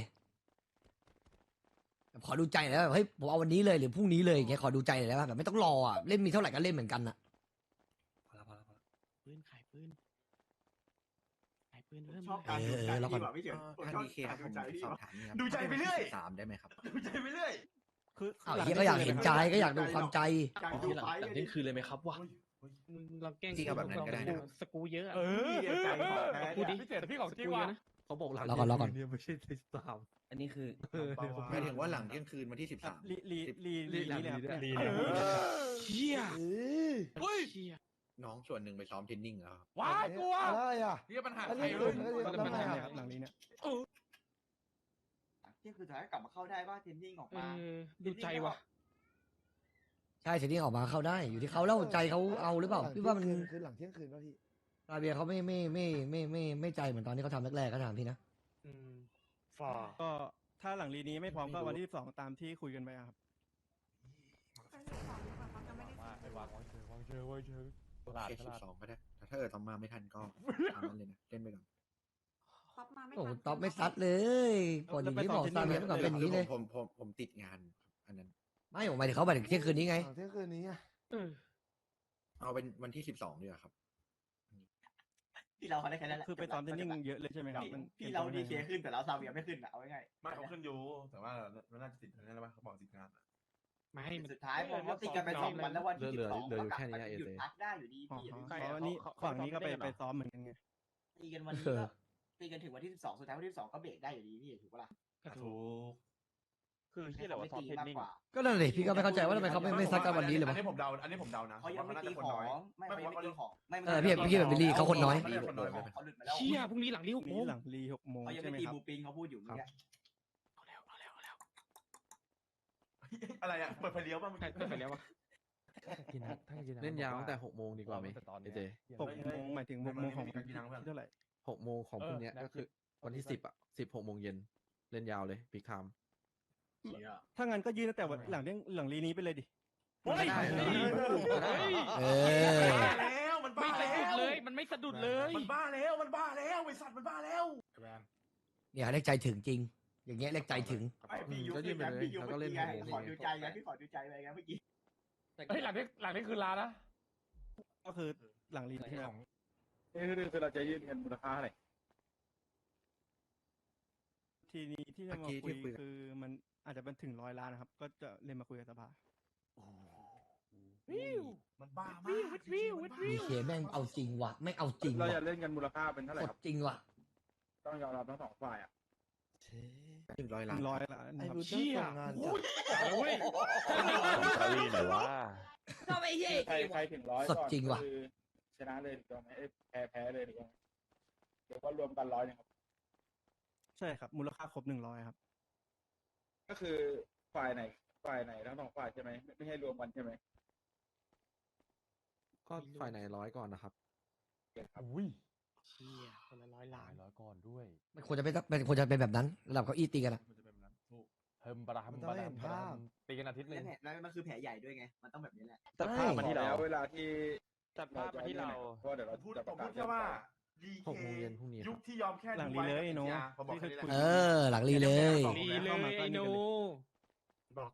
[SPEAKER 3] แบบขอดูใจหน่อยแบบเฮ้ยผมเอาวันนี้เลยหรือพรุ่งนี้เลยอย่างเงี้ยขอดูใจหน่อยได้ป่ะแบบไม่ต้องรออ่ะเล่นมีเท่าไหร่ก็เล่นเหมือนกันอ่ะ
[SPEAKER 10] พอแล้วพอแล้วพอแล้วปืนขายปืนขายปืน
[SPEAKER 6] ผม
[SPEAKER 10] เริ่ม
[SPEAKER 6] ชอบ
[SPEAKER 10] ขาย
[SPEAKER 6] การดูใจ
[SPEAKER 3] เออแล้วก่อน
[SPEAKER 6] พี่ว่ะพี่เฉินผม
[SPEAKER 9] ทาง
[SPEAKER 6] ชอบ
[SPEAKER 9] ดีเค
[SPEAKER 6] กา
[SPEAKER 9] ค
[SPEAKER 6] ร
[SPEAKER 9] รับ
[SPEAKER 6] ดู
[SPEAKER 9] ผม
[SPEAKER 6] ใจพี่
[SPEAKER 9] สอบ
[SPEAKER 6] ว่ะ
[SPEAKER 9] ถามนี่ครับ
[SPEAKER 1] ดูใจไปเรื่อย
[SPEAKER 9] สิบสามได้ไหมครับ
[SPEAKER 1] ดูใจไปเรื่อย
[SPEAKER 4] คือ
[SPEAKER 3] อ้าว
[SPEAKER 4] หลัง
[SPEAKER 3] เฮียก็อยากเห็นใจก็อยากดูความใจ
[SPEAKER 6] การ
[SPEAKER 10] อ๋อ
[SPEAKER 6] ดู
[SPEAKER 10] หลัง
[SPEAKER 6] ไฟ
[SPEAKER 10] หลัง
[SPEAKER 6] เนี่
[SPEAKER 10] เที่ยงคืนเลยไหมครับวะ
[SPEAKER 1] เฮ้ยเฮ้ย
[SPEAKER 10] มึงเราแกล้ง
[SPEAKER 9] จริงๆเอาแบบนั้นก็ได้นะ
[SPEAKER 10] สกูเยอะอะ
[SPEAKER 4] เออ
[SPEAKER 6] พี่ใจของแท้
[SPEAKER 10] พูดดิ
[SPEAKER 6] เนี่ย
[SPEAKER 8] พี่เจ๋พี่ของจริง
[SPEAKER 10] สกูเย
[SPEAKER 8] ว่ะ
[SPEAKER 10] อะนะเขาบอกหลัง
[SPEAKER 3] รอก่อนรอก่อน
[SPEAKER 10] เนี่ยไม่ใช่สิบสาม
[SPEAKER 11] อันนี้คือ
[SPEAKER 9] หมายถึงว่าหลังเที่ยงคืนวันที่สิบ
[SPEAKER 4] ครั
[SPEAKER 9] สา
[SPEAKER 4] บ
[SPEAKER 9] ม
[SPEAKER 4] ลีลีลีลีลีเลยครับ
[SPEAKER 8] ลี
[SPEAKER 4] เนี่ย
[SPEAKER 8] ลี
[SPEAKER 10] เชี่ย
[SPEAKER 2] เออ
[SPEAKER 8] เฮ้ย
[SPEAKER 10] เชี่ย
[SPEAKER 9] น้องส่วนหนึ่งไปซ้อมเทรนนิ่งแล้วครับ
[SPEAKER 8] ว้ายกลัว
[SPEAKER 2] อะไรอ่ะ
[SPEAKER 1] นี่ปัญหา
[SPEAKER 2] อัน
[SPEAKER 1] ใคร
[SPEAKER 2] นี้
[SPEAKER 1] เล
[SPEAKER 2] คื
[SPEAKER 1] ย
[SPEAKER 2] อ
[SPEAKER 4] ก็จะ
[SPEAKER 2] แล้ว
[SPEAKER 4] เป็น
[SPEAKER 2] ไง
[SPEAKER 4] ทาง
[SPEAKER 2] อ่ะ
[SPEAKER 4] เนี่ยครับหลังนี้เนี่ย
[SPEAKER 6] เที่ยงคืนสุดท้ายกลับมาเข้าได้ว่าเทรนนิ่งออก
[SPEAKER 10] เอ
[SPEAKER 6] มา
[SPEAKER 10] อดูใจว่ะ
[SPEAKER 3] ใช่เสร็จนี่ออกมาเข้าได้อยู่ที่เขาแล้วใจเขาเอาหรือเปล่าพี่ว่ามัน
[SPEAKER 2] คือหลังเที่ยงคืนป่ะพี่
[SPEAKER 3] อาเบียเขาไม่ไม่ไม่ไม่ไม่ไม่ใจเหมือนตอนที่เขาทำแรกๆก็ถามพี่นะ
[SPEAKER 10] อืมฝ่า
[SPEAKER 4] ก็ถ้าหลังลีนี้ไม่พร้อมก็วันที่สิบสองตามที่คุยกันไปอะครับ
[SPEAKER 7] ไปสิบสองดีกว่าเขาจะไม่ได้
[SPEAKER 8] มาไอ้วางวางเชิงวางเชิงวางเชิงต
[SPEAKER 9] โอ
[SPEAKER 8] ลาด
[SPEAKER 9] เค
[SPEAKER 8] ต
[SPEAKER 9] สิ
[SPEAKER 8] ลา
[SPEAKER 9] บ
[SPEAKER 8] ด
[SPEAKER 9] สองก็ได้แต่ถ้าเกิดทำมาไม่ทันก็ตามนั้นเลยนะเล่นไปก่อน
[SPEAKER 7] ท็อปมาไม่
[SPEAKER 3] โอ้โห
[SPEAKER 7] ทัน
[SPEAKER 3] ต๊อบไม่ซัดเลยก่อนอย่างนี้บอกซาเบียก่อนเป็นอย่างนี้เลย
[SPEAKER 9] ผมผมผมติดงานอันนั้น
[SPEAKER 3] ไม่ผมหมายถึงเขาหมายถึงเที่ยงคืนนี้ไง
[SPEAKER 2] หลังเที่ยงคืนนี้อ่ะ
[SPEAKER 10] เออ
[SPEAKER 9] เอาเป็นวันที่สิบสองดีกว่าครับ
[SPEAKER 6] พี่เราเขาได้แค่นั้นแหละ
[SPEAKER 4] คือไปซ้อมเทรนนิ่งเยอะเลยใช่ไหมครับ
[SPEAKER 6] พี่
[SPEAKER 4] มัน
[SPEAKER 6] พี่เราดีเคขึ้นแต่เราซาเวียไม่ขึ้นอะเอาง่ายๆ
[SPEAKER 1] ไม่เขาขึ้นอยู่แต่ว่ามันน่าจะติดนั่นแหละป่ะเขาบอกติดงานอะ
[SPEAKER 10] ไม่มัน
[SPEAKER 6] สุดท้ายผมว่าติดกันไปสองวันแล้ววันที่สิบสองก็กลับมาหยุดพักได้อยู่ดี
[SPEAKER 4] อ๋อ
[SPEAKER 6] พี่
[SPEAKER 4] เพราะว่านี่ฝั่งนี้ก็ไปไปซ้อมเหมือนกันไง
[SPEAKER 6] ตีกันวันนี้ก็ตีกันถึงวันที่สิบสองสุดท้ายวันที่สิบสองก็เบรกได้อยู่ดีพี่ถูกปะล่ะ
[SPEAKER 10] ก็ถู
[SPEAKER 1] ถู
[SPEAKER 10] ก
[SPEAKER 1] ก
[SPEAKER 8] คือที่เราว่าซ้อมเทรนนิ่ง
[SPEAKER 6] มากกว่า
[SPEAKER 3] ก็นั่นเลยพี่ก็ไม่เข้าใจว่าทำไมเขาไม่ไม่ซัดกันวันนี้เลยวะ
[SPEAKER 1] อันนี้ผมเดาอันนี้ผมเดานะ
[SPEAKER 6] เขายังไม่
[SPEAKER 1] ว่
[SPEAKER 6] ตี
[SPEAKER 1] น่าจะ
[SPEAKER 6] ข
[SPEAKER 1] ค
[SPEAKER 6] อน
[SPEAKER 1] น้อย
[SPEAKER 6] งไม่เขายังไม่ตีของไม่
[SPEAKER 3] เออพี่พี่แบบบิลลี่เขาคนน้อย
[SPEAKER 6] เขาหลุดมาแล้ว
[SPEAKER 10] เชี่ยพรุ่งนี้หลังนี้หกโม
[SPEAKER 4] นี่
[SPEAKER 10] ง
[SPEAKER 4] หลังรีหกโมง
[SPEAKER 6] เขายัง
[SPEAKER 4] ใช่ไหม
[SPEAKER 6] ไม่ตี
[SPEAKER 4] ครับ
[SPEAKER 6] บูปิงเขาพูดอยู่เมื่อกี้
[SPEAKER 10] เอาแล้วเอาแล้วเอาแล้ว
[SPEAKER 1] อะไรอ่ะเปิดไฟเลี้ยวป่ะเมื่อ
[SPEAKER 10] ใคร
[SPEAKER 1] กี้
[SPEAKER 10] ไปแล้ววะ
[SPEAKER 8] กินนะถ้ากิน
[SPEAKER 11] เล่นยาวตั้งแต่หกโมงดีกว่าไหม
[SPEAKER 8] ตอน
[SPEAKER 11] ไอ
[SPEAKER 8] นี้
[SPEAKER 11] เจ
[SPEAKER 4] หกโมงหมายถึงหกโมงของวันที่เท่าไหร่
[SPEAKER 11] หกโมงของพรุ่งเนี้ยก็คือวันที่สิบอ่ะสิบหกโมงเย็นเล่นยาวเลยปีคาม
[SPEAKER 4] ถ้างั้นก็ยืนตั้งแต่วันหลังเรื่องหลังรีนี้ไปเลยดิ
[SPEAKER 8] เฮ้ย
[SPEAKER 3] เอ
[SPEAKER 1] มัน
[SPEAKER 3] อ
[SPEAKER 1] บ้าแล้วมัน
[SPEAKER 10] ไม่
[SPEAKER 1] บ้า
[SPEAKER 10] สะ
[SPEAKER 1] แล้
[SPEAKER 10] ดุด
[SPEAKER 1] ว
[SPEAKER 10] เลยมันไม่สะดุดเลย
[SPEAKER 1] มันบ้าแล้วมันบ้าแล้วไอสัตว์มันบ้าแล้ว
[SPEAKER 8] แวน
[SPEAKER 3] เนี่ยเรียกใจถึงจริง อย่างเงี้ยเรียกใจถึง
[SPEAKER 6] ไม่พี่ยุบพี่ยันพี่ยุบเมื่อกี้ไงขอดูใจไงพี่ขอดูใจไปไงเมื่อกี้
[SPEAKER 8] เฮ้ยหลังนี้หลังนี้คือลานะ
[SPEAKER 4] ก็คือหลังรีใช่ไหมครับ
[SPEAKER 8] นี่คือคือเราจะยื่นเงินมูลค่าเท่าไหร่
[SPEAKER 4] ทีนี้ที่จะมาคุยคือมันอาจจะเป็นถึงร้อยล้านนะครับ ก็จะเรียนมาคุยกับสภา
[SPEAKER 8] วิว
[SPEAKER 1] มันบ้ามาก
[SPEAKER 8] วิววิววิว
[SPEAKER 3] ดีเคแม่งเอาจริงว่ะไม่เอาจริง
[SPEAKER 8] เรา
[SPEAKER 3] ว่ะ
[SPEAKER 8] จะเล่นกันมูลค่าเป็นเท่าไหร่
[SPEAKER 3] ก
[SPEAKER 8] ค
[SPEAKER 3] ด
[SPEAKER 8] รับ
[SPEAKER 3] จริงว่ะ
[SPEAKER 8] ต้องยอมรับทั้งสองฝ่ายอ่ะ
[SPEAKER 9] หนึ่งร้อย
[SPEAKER 4] ห
[SPEAKER 9] ล้าน
[SPEAKER 4] นึ่งร้อยล้าน
[SPEAKER 2] ไอ้
[SPEAKER 4] นะครับ
[SPEAKER 2] รู้เจ้าส่งงานจัด
[SPEAKER 8] เฮ้ย
[SPEAKER 10] ตาลีไหนวะ
[SPEAKER 8] ใครใครถึงร้อย
[SPEAKER 3] สดจริงว่ะ
[SPEAKER 8] คือชนะเลยหรือไม่แพ้แพ้เลยหรือเดี๋ยวก็รวมกันร้อยนึงครับ
[SPEAKER 4] ใช่ครับ มูลค่าครบหนึ่งร้อยครับ
[SPEAKER 8] ก็คือฝ่ายไหนฝ่ายไหนทั้งสองฝ่ายใช่ไหมไม่ไม่ให้รวมกันใช่ไหม
[SPEAKER 11] ก็ฝ่ายไหนร้อยก่อนนะครับ
[SPEAKER 8] ครับ
[SPEAKER 10] อุ้ยเชี่ยคนละร้อยล้าน
[SPEAKER 8] ร้อยก่อนด้วย
[SPEAKER 3] มันควรจะเป็นเป็นควรจะเป็นแบบนั้นระดับเก้าอี้ตีกันอะ
[SPEAKER 1] มันจะเป็นแบบนั้นถูก
[SPEAKER 8] เฮิมบาราฮัม
[SPEAKER 2] มันต้
[SPEAKER 8] บา
[SPEAKER 2] อง
[SPEAKER 8] รา
[SPEAKER 2] เห็
[SPEAKER 8] ฮัม
[SPEAKER 2] น
[SPEAKER 8] บารา
[SPEAKER 2] ภา
[SPEAKER 8] ฮั
[SPEAKER 2] พ
[SPEAKER 8] มตีกันอาทิตย์หนึง
[SPEAKER 6] แล้วแผลแล้วมันคือแผลใหญ่ด้วยไง มันต้องแบบนี้แหละ
[SPEAKER 3] ตัดภาพมาที่เรา
[SPEAKER 8] เวลาที่ตัดภาพมาที่เรา
[SPEAKER 1] ผมพูดผมพูดแค่ว่าดี
[SPEAKER 11] หกโมงเย็นพรุ่งนี้ครับ
[SPEAKER 1] ยุคที่ยอมแค่
[SPEAKER 4] หลัง
[SPEAKER 1] ดู
[SPEAKER 4] รี
[SPEAKER 1] ไว้
[SPEAKER 4] เลย
[SPEAKER 1] กับ
[SPEAKER 4] เนอะ
[SPEAKER 1] เอทีอาร์ผมบอกแค่นี้แหละ
[SPEAKER 3] เออ หลังรีเลย
[SPEAKER 10] ลีเลยไอ้หนูบอก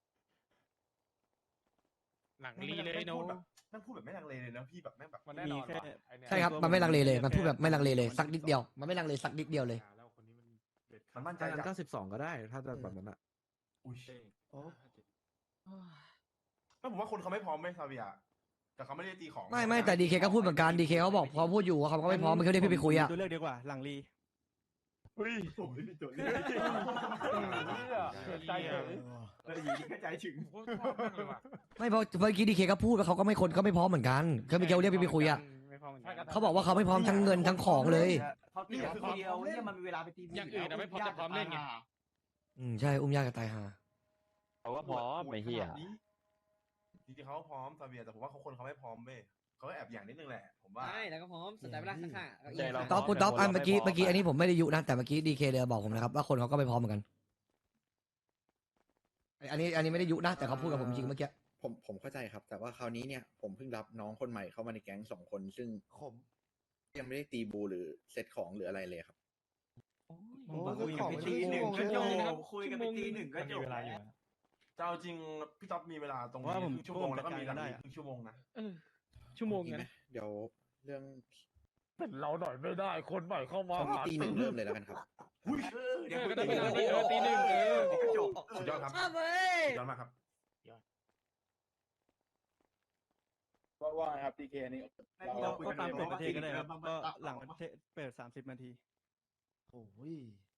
[SPEAKER 10] หลังลีเลยไอ้หนู
[SPEAKER 1] แม่งพูดแบบแม่งพูดแบบไม่ลังเลเลยนะพี่แบบแม่งแบบ
[SPEAKER 8] มันแน่นอน
[SPEAKER 4] มีแค่
[SPEAKER 8] ว่ะไอ้เนี่ย
[SPEAKER 3] ใช่ครับมันไม่ลังเลเลยมันพูดแบบไม่ลังเลเลยสักนิดเดียวมันไม่ลังเลสักนิดเดียวเลย
[SPEAKER 1] มันมั่นใจ
[SPEAKER 11] ถ้างั้น
[SPEAKER 1] จั
[SPEAKER 11] ก็
[SPEAKER 1] ด
[SPEAKER 11] สิบสองก็ได้ ถ้าจะแบบนั้นอ่ะ
[SPEAKER 1] อุ้ย
[SPEAKER 2] โอ้
[SPEAKER 1] ก็ผมว่าคนเขาไม่พร้อมไหมซาเวียแต่เขาไม่ได้ตีของ
[SPEAKER 3] ไม่ไม่แต่ดีเคก็พูดเหมือนกันดีเคเขาบอกเขาพูดอยู่ว่าเขาก็ไม่พร้อมเขาเรียกพี่ไปคุยอะ
[SPEAKER 4] ตัวเลือกดีกว่า หลังรี
[SPEAKER 1] อุ้ยผมไม่มีตัวเลือก
[SPEAKER 8] เกิดใจเฉย
[SPEAKER 6] เอออยู่ดีก็ใจถึง
[SPEAKER 8] โคตรชอบมากเลยว่ะ
[SPEAKER 3] ไม่เพราะเมื่อกี้ดีเคก็พูดว่าเขาก็ไม่คนก็ไม่พร้อมเหมือนกันเขาไม่เกี่ยวเรียกพี่ไปคุยอะ
[SPEAKER 10] ไม่พอเหมือนกัน
[SPEAKER 3] เขาบอกว่าเขาไม่พร้อมทั้งเงินทั้งของเลย
[SPEAKER 6] เขาตีกับคนเดียวเนี่ยมันมีเวลาไปตี
[SPEAKER 10] อย่างอื่นอะไม่พร้อมแต่พร้อมเล่นไง
[SPEAKER 3] อืมใช่อุ้มยากกับตายหา
[SPEAKER 8] เขาก็พร้อมไม่เหี้ย
[SPEAKER 1] จริงๆเขาพร้อมซาเวียแต่ผมว่าเขาคนเขาไม่พร้อมเว้ยเขาก็แอบอย่างนิดนึงแหละผมว่า
[SPEAKER 12] ใช่แล้วก็พร้อมสนใจเวลาสักค่ะ
[SPEAKER 8] ใจเรา
[SPEAKER 3] ต๊อปคุณต๊อปอันเมื่อกี้เมื่อกี้อันนี้ผมไม่ได้ยุนะแต่เมื่อกี้ดีเคเดบอกผมนะครับว่าคนเขาก็ไม่พร้อมเหมือนกันอันนี้อันนี้ไม่ได้ยุนะแต่เขาพูดกับผมจริงเมื่อกี้
[SPEAKER 9] ผมผมเข้าใจครับ แต่ว่าคราวนี้เนี่ยผมเพิ่งรับน้องคนใหม่เข้ามาในแก๊งสองคน ซึ่ง
[SPEAKER 2] ขม
[SPEAKER 9] ยังไม่ได้ตีบูหรือเซตของหรืออะไรเลยครับ
[SPEAKER 2] โอ้
[SPEAKER 6] คุย
[SPEAKER 2] ข
[SPEAKER 6] กัน
[SPEAKER 2] อง
[SPEAKER 6] ไป
[SPEAKER 2] มัน
[SPEAKER 6] ตี
[SPEAKER 2] ชั่ว
[SPEAKER 6] หนึ่ง
[SPEAKER 2] โมง
[SPEAKER 6] ก็
[SPEAKER 2] เลย
[SPEAKER 6] จ
[SPEAKER 2] นะ
[SPEAKER 6] บคุยกันไปตีหนึ่งก็จบแล้ว
[SPEAKER 1] จะเอาจริงพี่ต๊อบมีเวลาตรงนี้
[SPEAKER 4] ว่าผม
[SPEAKER 1] ครึ่งชั่วโมงแล้วก็มีหลัง
[SPEAKER 4] ได้
[SPEAKER 1] นี้
[SPEAKER 4] อะ
[SPEAKER 1] ครึ่งชั่วโมงนะ
[SPEAKER 10] เออชั่วโมง
[SPEAKER 9] ดี
[SPEAKER 10] กัน
[SPEAKER 9] ไหมเดี๋ยวเรื่อง
[SPEAKER 8] เป็นเราหน่อยไม่ได้คนใหม่เข้ามา
[SPEAKER 9] ช่วงนี้ตีหนึ่งเริ่มเลยแล้วกันครับ
[SPEAKER 1] อุ้ย
[SPEAKER 6] เดี๋ยว
[SPEAKER 10] เออ
[SPEAKER 6] คุ
[SPEAKER 10] ก็
[SPEAKER 6] ย
[SPEAKER 10] ได้
[SPEAKER 6] กัน
[SPEAKER 10] เวลา
[SPEAKER 6] ไป
[SPEAKER 10] เออตีหนึ่งเออ
[SPEAKER 6] ก็จบ
[SPEAKER 1] สุดยอดครับ
[SPEAKER 12] ชอบเว้ย
[SPEAKER 1] สุดยอดมากครับ
[SPEAKER 8] ว่าว่าครับดีเคนี่
[SPEAKER 4] เราก็ตามเปิดประเทศก็ได้ครับก็หลังประเทศเปิดสามสิบนาที
[SPEAKER 2] โอ้ย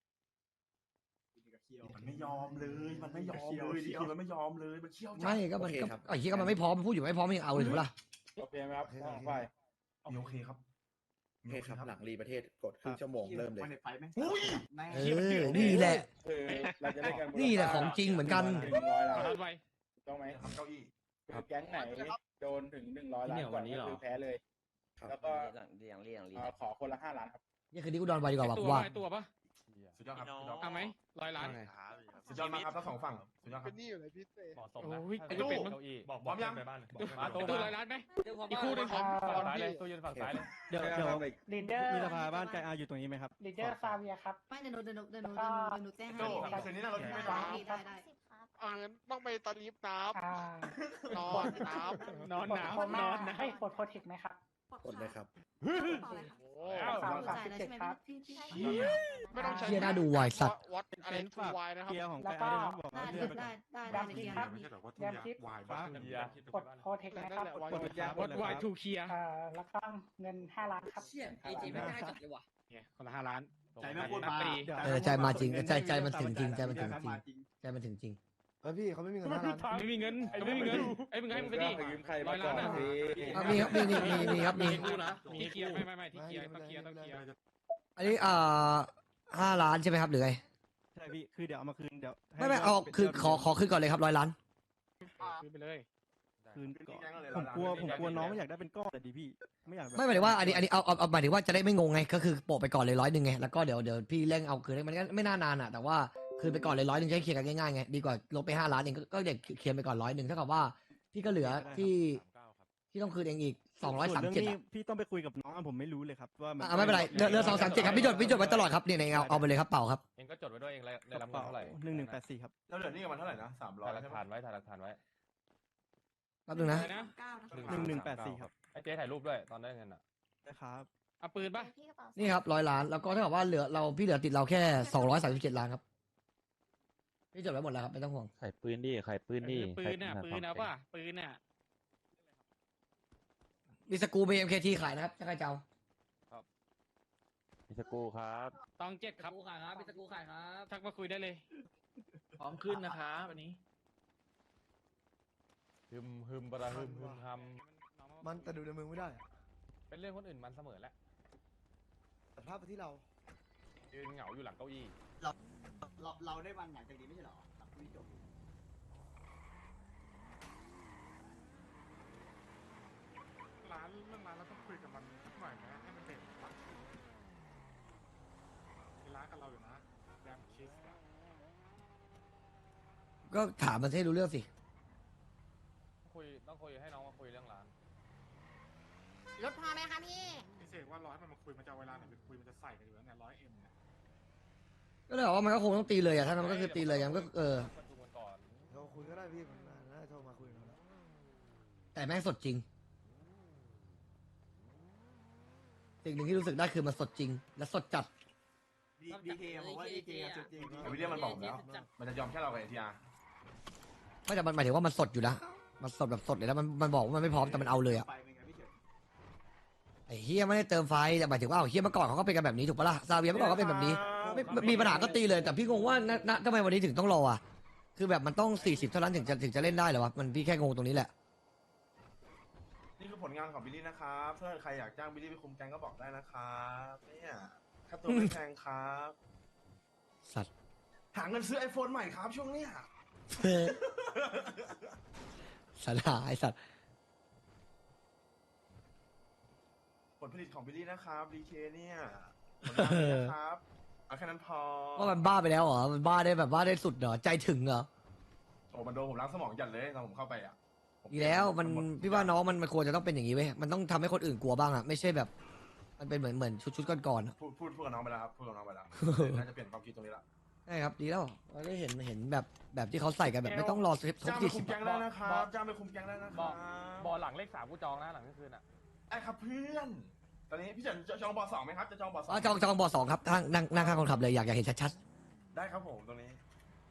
[SPEAKER 1] มันไม่ยอมเลย มันไม่ยอมเลยดีมันไม่ยอมเลย มันเชี่ยวจัด
[SPEAKER 3] ไม่ก็มัน
[SPEAKER 9] โอเค
[SPEAKER 3] ก็
[SPEAKER 9] ครับ
[SPEAKER 3] ไอ้ที่ก็มันไม่พร้อมมันพูดอยู่ไม่พร้อมมันยังเอาเลยถูกปะล่ะ
[SPEAKER 8] โอเคไหมครับ
[SPEAKER 2] โอเคครับ
[SPEAKER 8] ไป
[SPEAKER 1] มีโอเคครับ
[SPEAKER 9] โอเคครับ หลังรีประเทศกดครึ่งชั่วโมงเริ่มเลย
[SPEAKER 6] วันไหนไฟไหม
[SPEAKER 1] อุ้ย
[SPEAKER 6] แม่ง
[SPEAKER 3] เออนี่แหละ
[SPEAKER 8] คือเราจะเล่นกัน
[SPEAKER 3] นี่แหละของจริงเหมือนกัน
[SPEAKER 8] หนึ่งร้อยล้าน
[SPEAKER 10] ทันไว
[SPEAKER 8] ถูกต้องไหม
[SPEAKER 1] ทำเก้าอี้
[SPEAKER 8] คือแก๊งไหนโดนถึงหนึ่งร้อยล้านก่อนก็คือแพ้เลย
[SPEAKER 9] ครับ
[SPEAKER 8] แล้วก็
[SPEAKER 12] หลังเรียงเรียงเรียง
[SPEAKER 8] เอ่อขอคนละห้าล้านครับ
[SPEAKER 3] นี่คืนนี้กูนอนไวดีกว่าว่ะ
[SPEAKER 10] ตั
[SPEAKER 3] กู
[SPEAKER 10] ว
[SPEAKER 3] ว่า
[SPEAKER 10] ไอตัวปะ
[SPEAKER 1] สุดยอดครับสุดยอด
[SPEAKER 10] เอาไหมร้อยล้าน
[SPEAKER 11] ว่าไง
[SPEAKER 1] สุดยอดมากครับทั้งสองฝั่งสุดยอดครับ
[SPEAKER 8] เหมาะสมนะ
[SPEAKER 10] โอ้ย
[SPEAKER 8] ถ้า
[SPEAKER 10] ไอ้ตู้
[SPEAKER 8] เก้าอี้
[SPEAKER 1] บอกพร้อมยัง
[SPEAKER 8] มา
[SPEAKER 10] ตั
[SPEAKER 8] ตู้
[SPEAKER 10] ว
[SPEAKER 8] มา
[SPEAKER 10] ร้อยล้านไหม
[SPEAKER 12] อี
[SPEAKER 10] อีกคู่หนึง
[SPEAKER 8] ฝั่งซ้ายเลยตู้ยืนฝั่งซ้ายเลย
[SPEAKER 4] เดี๋ยวเดี๋ยว
[SPEAKER 12] ลีดเดอร์
[SPEAKER 4] มีสภาบ้านไกอาอยู่ตรงนี้ไหมครับ
[SPEAKER 12] ลีดเดอร์ซาเวียครับ
[SPEAKER 5] ไม่เดี๋ยวหนูเดี๋ยวหนูเดี๋ยวหนูเดี๋ยวหนูแจ้งให้
[SPEAKER 1] โจ้คืนนี้น่าเราที่ไม่
[SPEAKER 5] ได้
[SPEAKER 1] ร้าน
[SPEAKER 5] ได้ได้
[SPEAKER 13] อ่างั้นต้องไปตอนนี้น้ำนอนน้ำ
[SPEAKER 10] นอนหนาวนอนหนาว
[SPEAKER 12] กดโปรเทคไหมครับ
[SPEAKER 9] กดเลยครับ
[SPEAKER 5] ต่อเลยค่ะ
[SPEAKER 13] โอ้
[SPEAKER 5] สามจ่ายแล้วใช่ไหมพี่พี่พี่
[SPEAKER 13] ไม่ต้องใช้
[SPEAKER 3] เชี่ยน่าดูวายสัตว์
[SPEAKER 13] วัดอะไรทูวายนะครับ
[SPEAKER 4] เกียร์ของไกอาด้วยนะบอก
[SPEAKER 5] ได้
[SPEAKER 4] ว่าเลื่อนไปก่
[SPEAKER 5] ได้
[SPEAKER 4] อน
[SPEAKER 5] ได้ได้ในเกียร์ครับ
[SPEAKER 12] ยามทิพย์
[SPEAKER 10] กดโปรเทค
[SPEAKER 13] นั่น
[SPEAKER 10] นะครับ
[SPEAKER 13] แหละวาย
[SPEAKER 4] กดเลยครับ
[SPEAKER 10] วัดวายทูเคลียร์
[SPEAKER 12] แล้วก็เงินห้าล้านครับเชี่ยเอจีไม่ได้จัดเลยว่ะ
[SPEAKER 10] เนี่ยคนละห้าล้าน
[SPEAKER 6] ใจไม่พูดมา
[SPEAKER 3] เออใจมาจริงใจใจมันถึงจริงใจมันถึงจริงใจมันถึงจริง
[SPEAKER 2] เฮ้ยพี่เขาไม่มีเงินห้าล้าน
[SPEAKER 10] ไม่มีเงินไม่มีเงินไอ้มึงให้มึงไปดิ
[SPEAKER 8] ยืมใคร
[SPEAKER 10] ร้
[SPEAKER 8] มา
[SPEAKER 10] อย
[SPEAKER 8] ก่
[SPEAKER 10] ล้า
[SPEAKER 8] อน น
[SPEAKER 10] อะ
[SPEAKER 8] สิ
[SPEAKER 3] อ่ะมีครับมีมีมีมีครับมี
[SPEAKER 10] ที่เคลียร์ไม่ไม่ไม่ที่เคลียร์ต้องเคลียร์ต้องเคลียร์
[SPEAKER 3] อันนี้อ่าห้าล้านใช่ไหมครับหรือไง
[SPEAKER 4] ใช่พี่คือเดี๋ยวเอามาคืนเดี๋ยวให้
[SPEAKER 3] ไม่ไม่เอาคือขอขอขึ้นก่อนเลยครับร้อยล้าน
[SPEAKER 10] คืนไปเลย
[SPEAKER 4] คืนก่อนผมกลัวผมกลัวน้องอยากได้เป็นก้อนแต่ดีพี่ไม่อยากแบบ
[SPEAKER 3] ไม่หมายถึงว่าอันนี้อันนี้เอาเอาเอาหมายถึงว่าจะได้ไม่งงไงก็คือโปะไปก่อนเลยร้อยหนึ่งไงแล้วก็เดี๋ยวเดี๋ยวพี่เร่งเอาคืนมันก็ไม่น่านานอ่ะแต่ว่าคืนไปก่อนเลยร้อยหนึ่งจะได้เคลียร์กันง่ายๆไงดีกว่าลบไปห้าล้านเองก็ก็เดี๋ยวเคลียร์ไปก่อนร้อยหนึ่งเท่ากับว่าพี่ก็เหลือที่ที่ต้องคืนเองอีกสองร้อยสาม
[SPEAKER 4] ส่วน
[SPEAKER 3] เจ็ด
[SPEAKER 4] เรื่องนี้พี่ต้องไปคุยกับน้องอะผมไม่รู้เลยครับว่ามัน
[SPEAKER 3] อ่าไม่เป็นไรเหลือเหลือสองสามเจ็ดครับพี่จดพี่จดไว้ตลอดครับเนี่ยในเอาเอาไปเลยครับเป่าครับ
[SPEAKER 8] เองก็จดไว้ด้วยเองได้
[SPEAKER 4] ก
[SPEAKER 8] รั
[SPEAKER 4] ระ
[SPEAKER 8] บเงิน
[SPEAKER 4] เป๋า
[SPEAKER 8] เท่าไหร่
[SPEAKER 4] หนึ่งหนึ่งแปดสี่ครับ
[SPEAKER 1] แล้วเหลือนี่กันมาเท่าไหร่นะสามร้อย
[SPEAKER 8] ถ่ายหลัก
[SPEAKER 1] ใช่ไหม
[SPEAKER 8] ฐานไว้ถ่ายหลักฐานไว้
[SPEAKER 3] แป๊บนึงนะ
[SPEAKER 10] นะ
[SPEAKER 5] เก้านะ
[SPEAKER 4] หนึ่งหนึ่งแปดสี่ครับ
[SPEAKER 8] ไอ้เจ๊ถ่ายรูปด้วยตอนได้เงินอ่ะ
[SPEAKER 4] นะครับ
[SPEAKER 10] เอาปืนป่ะ
[SPEAKER 5] พี่กระเป๋า
[SPEAKER 3] นี่ครับร้อยล้านแล้วก็เท่ากับว่าเหลือเราพี่เหลือติดเราแค่สองร้อยสามสิบเจ็ดล้านครับพี่จดไว้หมดแล้วครับไม่ต้องห่วง
[SPEAKER 8] ไข่ปืนดิไข่ปืนดิ
[SPEAKER 10] ปืนอ่ะปืนเอาป่ะปืนอ่ะ
[SPEAKER 3] มีสกูเบมเคทีขายนะครับถ้าใครจะเอา
[SPEAKER 8] มิสกูครับ
[SPEAKER 10] ตองเจ็ดครับ
[SPEAKER 12] กูขายครับเป็นสกูขายครับ
[SPEAKER 10] ทักมาคุยได้เลย
[SPEAKER 12] พร้อมขึ้นนะครับวันนี้
[SPEAKER 8] ฮึมฮึมบาราฮึมฮึมฮัม
[SPEAKER 2] มันแต่ดูในมือไม่ได้อะ
[SPEAKER 8] เป็นเรื่องคนอื่นมันเสมอแหละ
[SPEAKER 2] แต่ภาพไปที่เรา
[SPEAKER 8] ยืนเหงาอยู่หลังเก้าอี้
[SPEAKER 6] เราเราเราได้วันหลังจากนี้ไม่ใช่หรอหลังคุยจบ
[SPEAKER 13] ร้านเรื่องร้านเราต้องคุยกับมันสักหน่อยไหมให้มันเด็ดปะ
[SPEAKER 3] ก็ถามมันให้รู้เรื่องสิ
[SPEAKER 8] คุยต้องคุยให้น้องมาคุยเรื่องร้าน
[SPEAKER 5] รถพอไหมคะพี่
[SPEAKER 13] พี่เสกว่าร้อยมันมาคุยมันจะเอาเวลาไหนไปคุยมันจะใส่กันอยู่แล้วเนี่ยร้อยเอ็มเนี่ย
[SPEAKER 3] ก็เลยบอกว่ามันก็คงต้องตีเลยอะถ้ามันก็คือตีเลยอะมันก็เออ
[SPEAKER 8] ประชุมกันก่อน
[SPEAKER 2] เราคุยก็ได้พี่มันน่าจะโทรมาคุยกันแล้ว
[SPEAKER 3] แต่แม่งสดจริง สิ่งหนึ่งที่รู้สึกได้คือมันสดจริง และสดจัด
[SPEAKER 6] ดีเคผมว่าดีเคสุดจริง
[SPEAKER 1] แต่วิลเลียมมันบอกผมแล้ว มันจะยอมแค่เรากับเอทีอาร์
[SPEAKER 3] ไม่แต่มันหมายถึงว่ามันสดอยู่นะ มันสดแบบสดเลยนะมันมันบอกว่ามันไม่พร้อมแต่มันเอาเลยอะ
[SPEAKER 6] ไปเป็นไงพี่เฉิน
[SPEAKER 3] ไอ้เฮียไม่ได้เติมไฟแต่หมายถึงว่าเอาเฮียเมื่อก่อนเขาก็เป็นกันแบบนี้ถูกปะล่ะซาเวียเมื่อก่อนก็เป็นแบบนี้ไม่ไม่มีปัญหาก็ตีเลยแต่พี่งงว่าณณทำไมวันนี้ถึงต้องรออ่ะคือแบบมันต้องสี่สิบเท่านั้นถึงจะถึงจะเล่นได้เหรอวะมันพี่แค่งงตรงนี้แหละ
[SPEAKER 1] นี่คือผลงานของบิลลี่นะครับเพื่อใครอยากจ้างบิลลี่ไปคุมแก๊งก็บอกได้นะครับเนี่ยค่าตัวไม่แพงครับ
[SPEAKER 3] สัตว์
[SPEAKER 1] หาเงินซื้อไอโฟนใหม่ครับช่วงเนี้ย
[SPEAKER 3] สัตว์หาไอสัตว์
[SPEAKER 1] ผลผลิตของบิลลี่นะครับดีเคเนี่ยผลงานเลยนะครับเอาแค่นั้นพอ
[SPEAKER 3] ว่ามันบ้าไปแล้วเหรอมันบ้าได้แบบบ้าได้สุดเหรอใจถึงเหรอ
[SPEAKER 1] โอ้มันโดนผมล้างสมองจัดเลยตอนผมเข้าไปอ่ะผม
[SPEAKER 3] อีกแล้วมัน
[SPEAKER 1] หด
[SPEAKER 3] พี่ว่าน้องมันมันควรจะต้องเป็นอย่างนี้เว้ยมันต้องทำให้คนอื่นกลัวบ้างอะไม่ใช่แบบ มันเป็นเหมือนเหมือนชุดชุดก่อนๆอะ
[SPEAKER 1] พูดพูดพูดกับน้องไปแล้วครับพูดกับน้องไปแล้ว น่าจะเปลี่ยนความคิดตรงนี้ละ
[SPEAKER 3] ใช่ครับดีแล้วเราได้เห็นเห็นแบบแบบที่เขาใส่กันแบบไม่ต้องรอครบ
[SPEAKER 1] จ้างไป
[SPEAKER 3] สี่
[SPEAKER 1] คุ
[SPEAKER 3] สิบ
[SPEAKER 1] มแก๊งได้นะครับจ้างไปคุมแก๊งได้นะค
[SPEAKER 8] บ
[SPEAKER 1] รั
[SPEAKER 8] อบ กบอหลังเลขสามกูจองนะหลังเที่ยงคืนอ่ะ
[SPEAKER 1] ไอ้ครับเพื่อน ตอนนี้พี่เฉินจะจองบอสองไหมครับจะจองบอสอง
[SPEAKER 3] อ๋อจองจองบอสองครับนั่งนั่งนั่งข้างคนขับเลยอยากอยากเห็นชัด
[SPEAKER 1] ได้ครับผมตรงนี้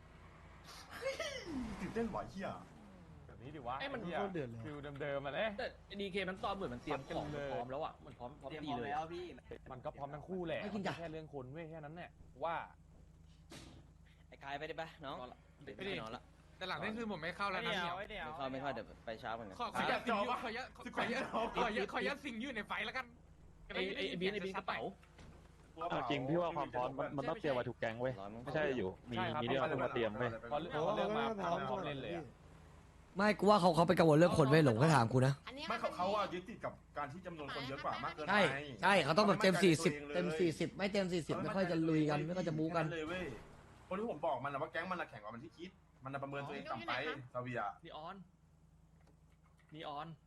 [SPEAKER 1] ตื่นเต้นบ่อยเฮีย
[SPEAKER 8] แบบนี้ดิวะ
[SPEAKER 10] เอ้ยมัน
[SPEAKER 8] ไหี้ย
[SPEAKER 2] เดือดเลย
[SPEAKER 8] ฟิลเดิมๆมาเลย
[SPEAKER 10] แต่ดีเคมันซ้อมเหมือนมันเตรียมของ
[SPEAKER 8] เลย
[SPEAKER 10] พร้อมแล้วอ่ะมันพร้อมพร้อม
[SPEAKER 6] เตรียม
[SPEAKER 10] ตี
[SPEAKER 6] พร้อม
[SPEAKER 10] เลย
[SPEAKER 6] แล้วพี่
[SPEAKER 8] มันก็พร้อมทั้งคู่แหละมันแค่เรื่องคนเว้ยแค่นั้นเนี่ยว่า
[SPEAKER 10] ไอ้กายไปได้ปะน้องไปดินอนละ
[SPEAKER 13] แต่หลังนี่คือผมไม่เข้าแล้วนะเนี่ย
[SPEAKER 10] ไม่เข้าไม่เข้าเดี๋ยวไปเช้าเหมือนกัน
[SPEAKER 13] ขอขอยัดสิงอยู่ขอยัดขอยัดขอยัดขอยัดสิงอยู่ในไฟแล้วกัน
[SPEAKER 10] ไอ้ไอ้บีนไอ้บีนกระเป๋า
[SPEAKER 1] เอาจริงพี่ว่าความพร้อมมันต้องเตรียมไว้ทุก
[SPEAKER 10] แกงเว้ย
[SPEAKER 8] ไม่ใช่อยู่มีมีเรื่องมาเตรียมเว้ยพอเรื่องพอเรื่องมาพร้อมพร้อมเล่นเลยอะ
[SPEAKER 3] ๆไม่กูว่าเขาเขาไปกังวลเรื่องคนไม่หลงก็ถามกูนะ
[SPEAKER 5] อันนี้
[SPEAKER 1] ไม่เขาเขาอะยึดติดกับการที่จำนวนคนเยอะกว่ามากเกินไป
[SPEAKER 3] ใช่ใช่เขาต้องแบบเต็มสี่สิบเต็มสี่สิบไม่เต็มสี่สิบไม่ค่อยจะลุยกันไม่ค่อยจะบู๊กัน
[SPEAKER 1] เลยเว้ยคนที่ผมบอกมันนะว่าแก๊งมันนะแข่งกว่ามันที่คิด มันนะประเมินตัวเองต่ำไปซาเวีย
[SPEAKER 10] นีออนนีออน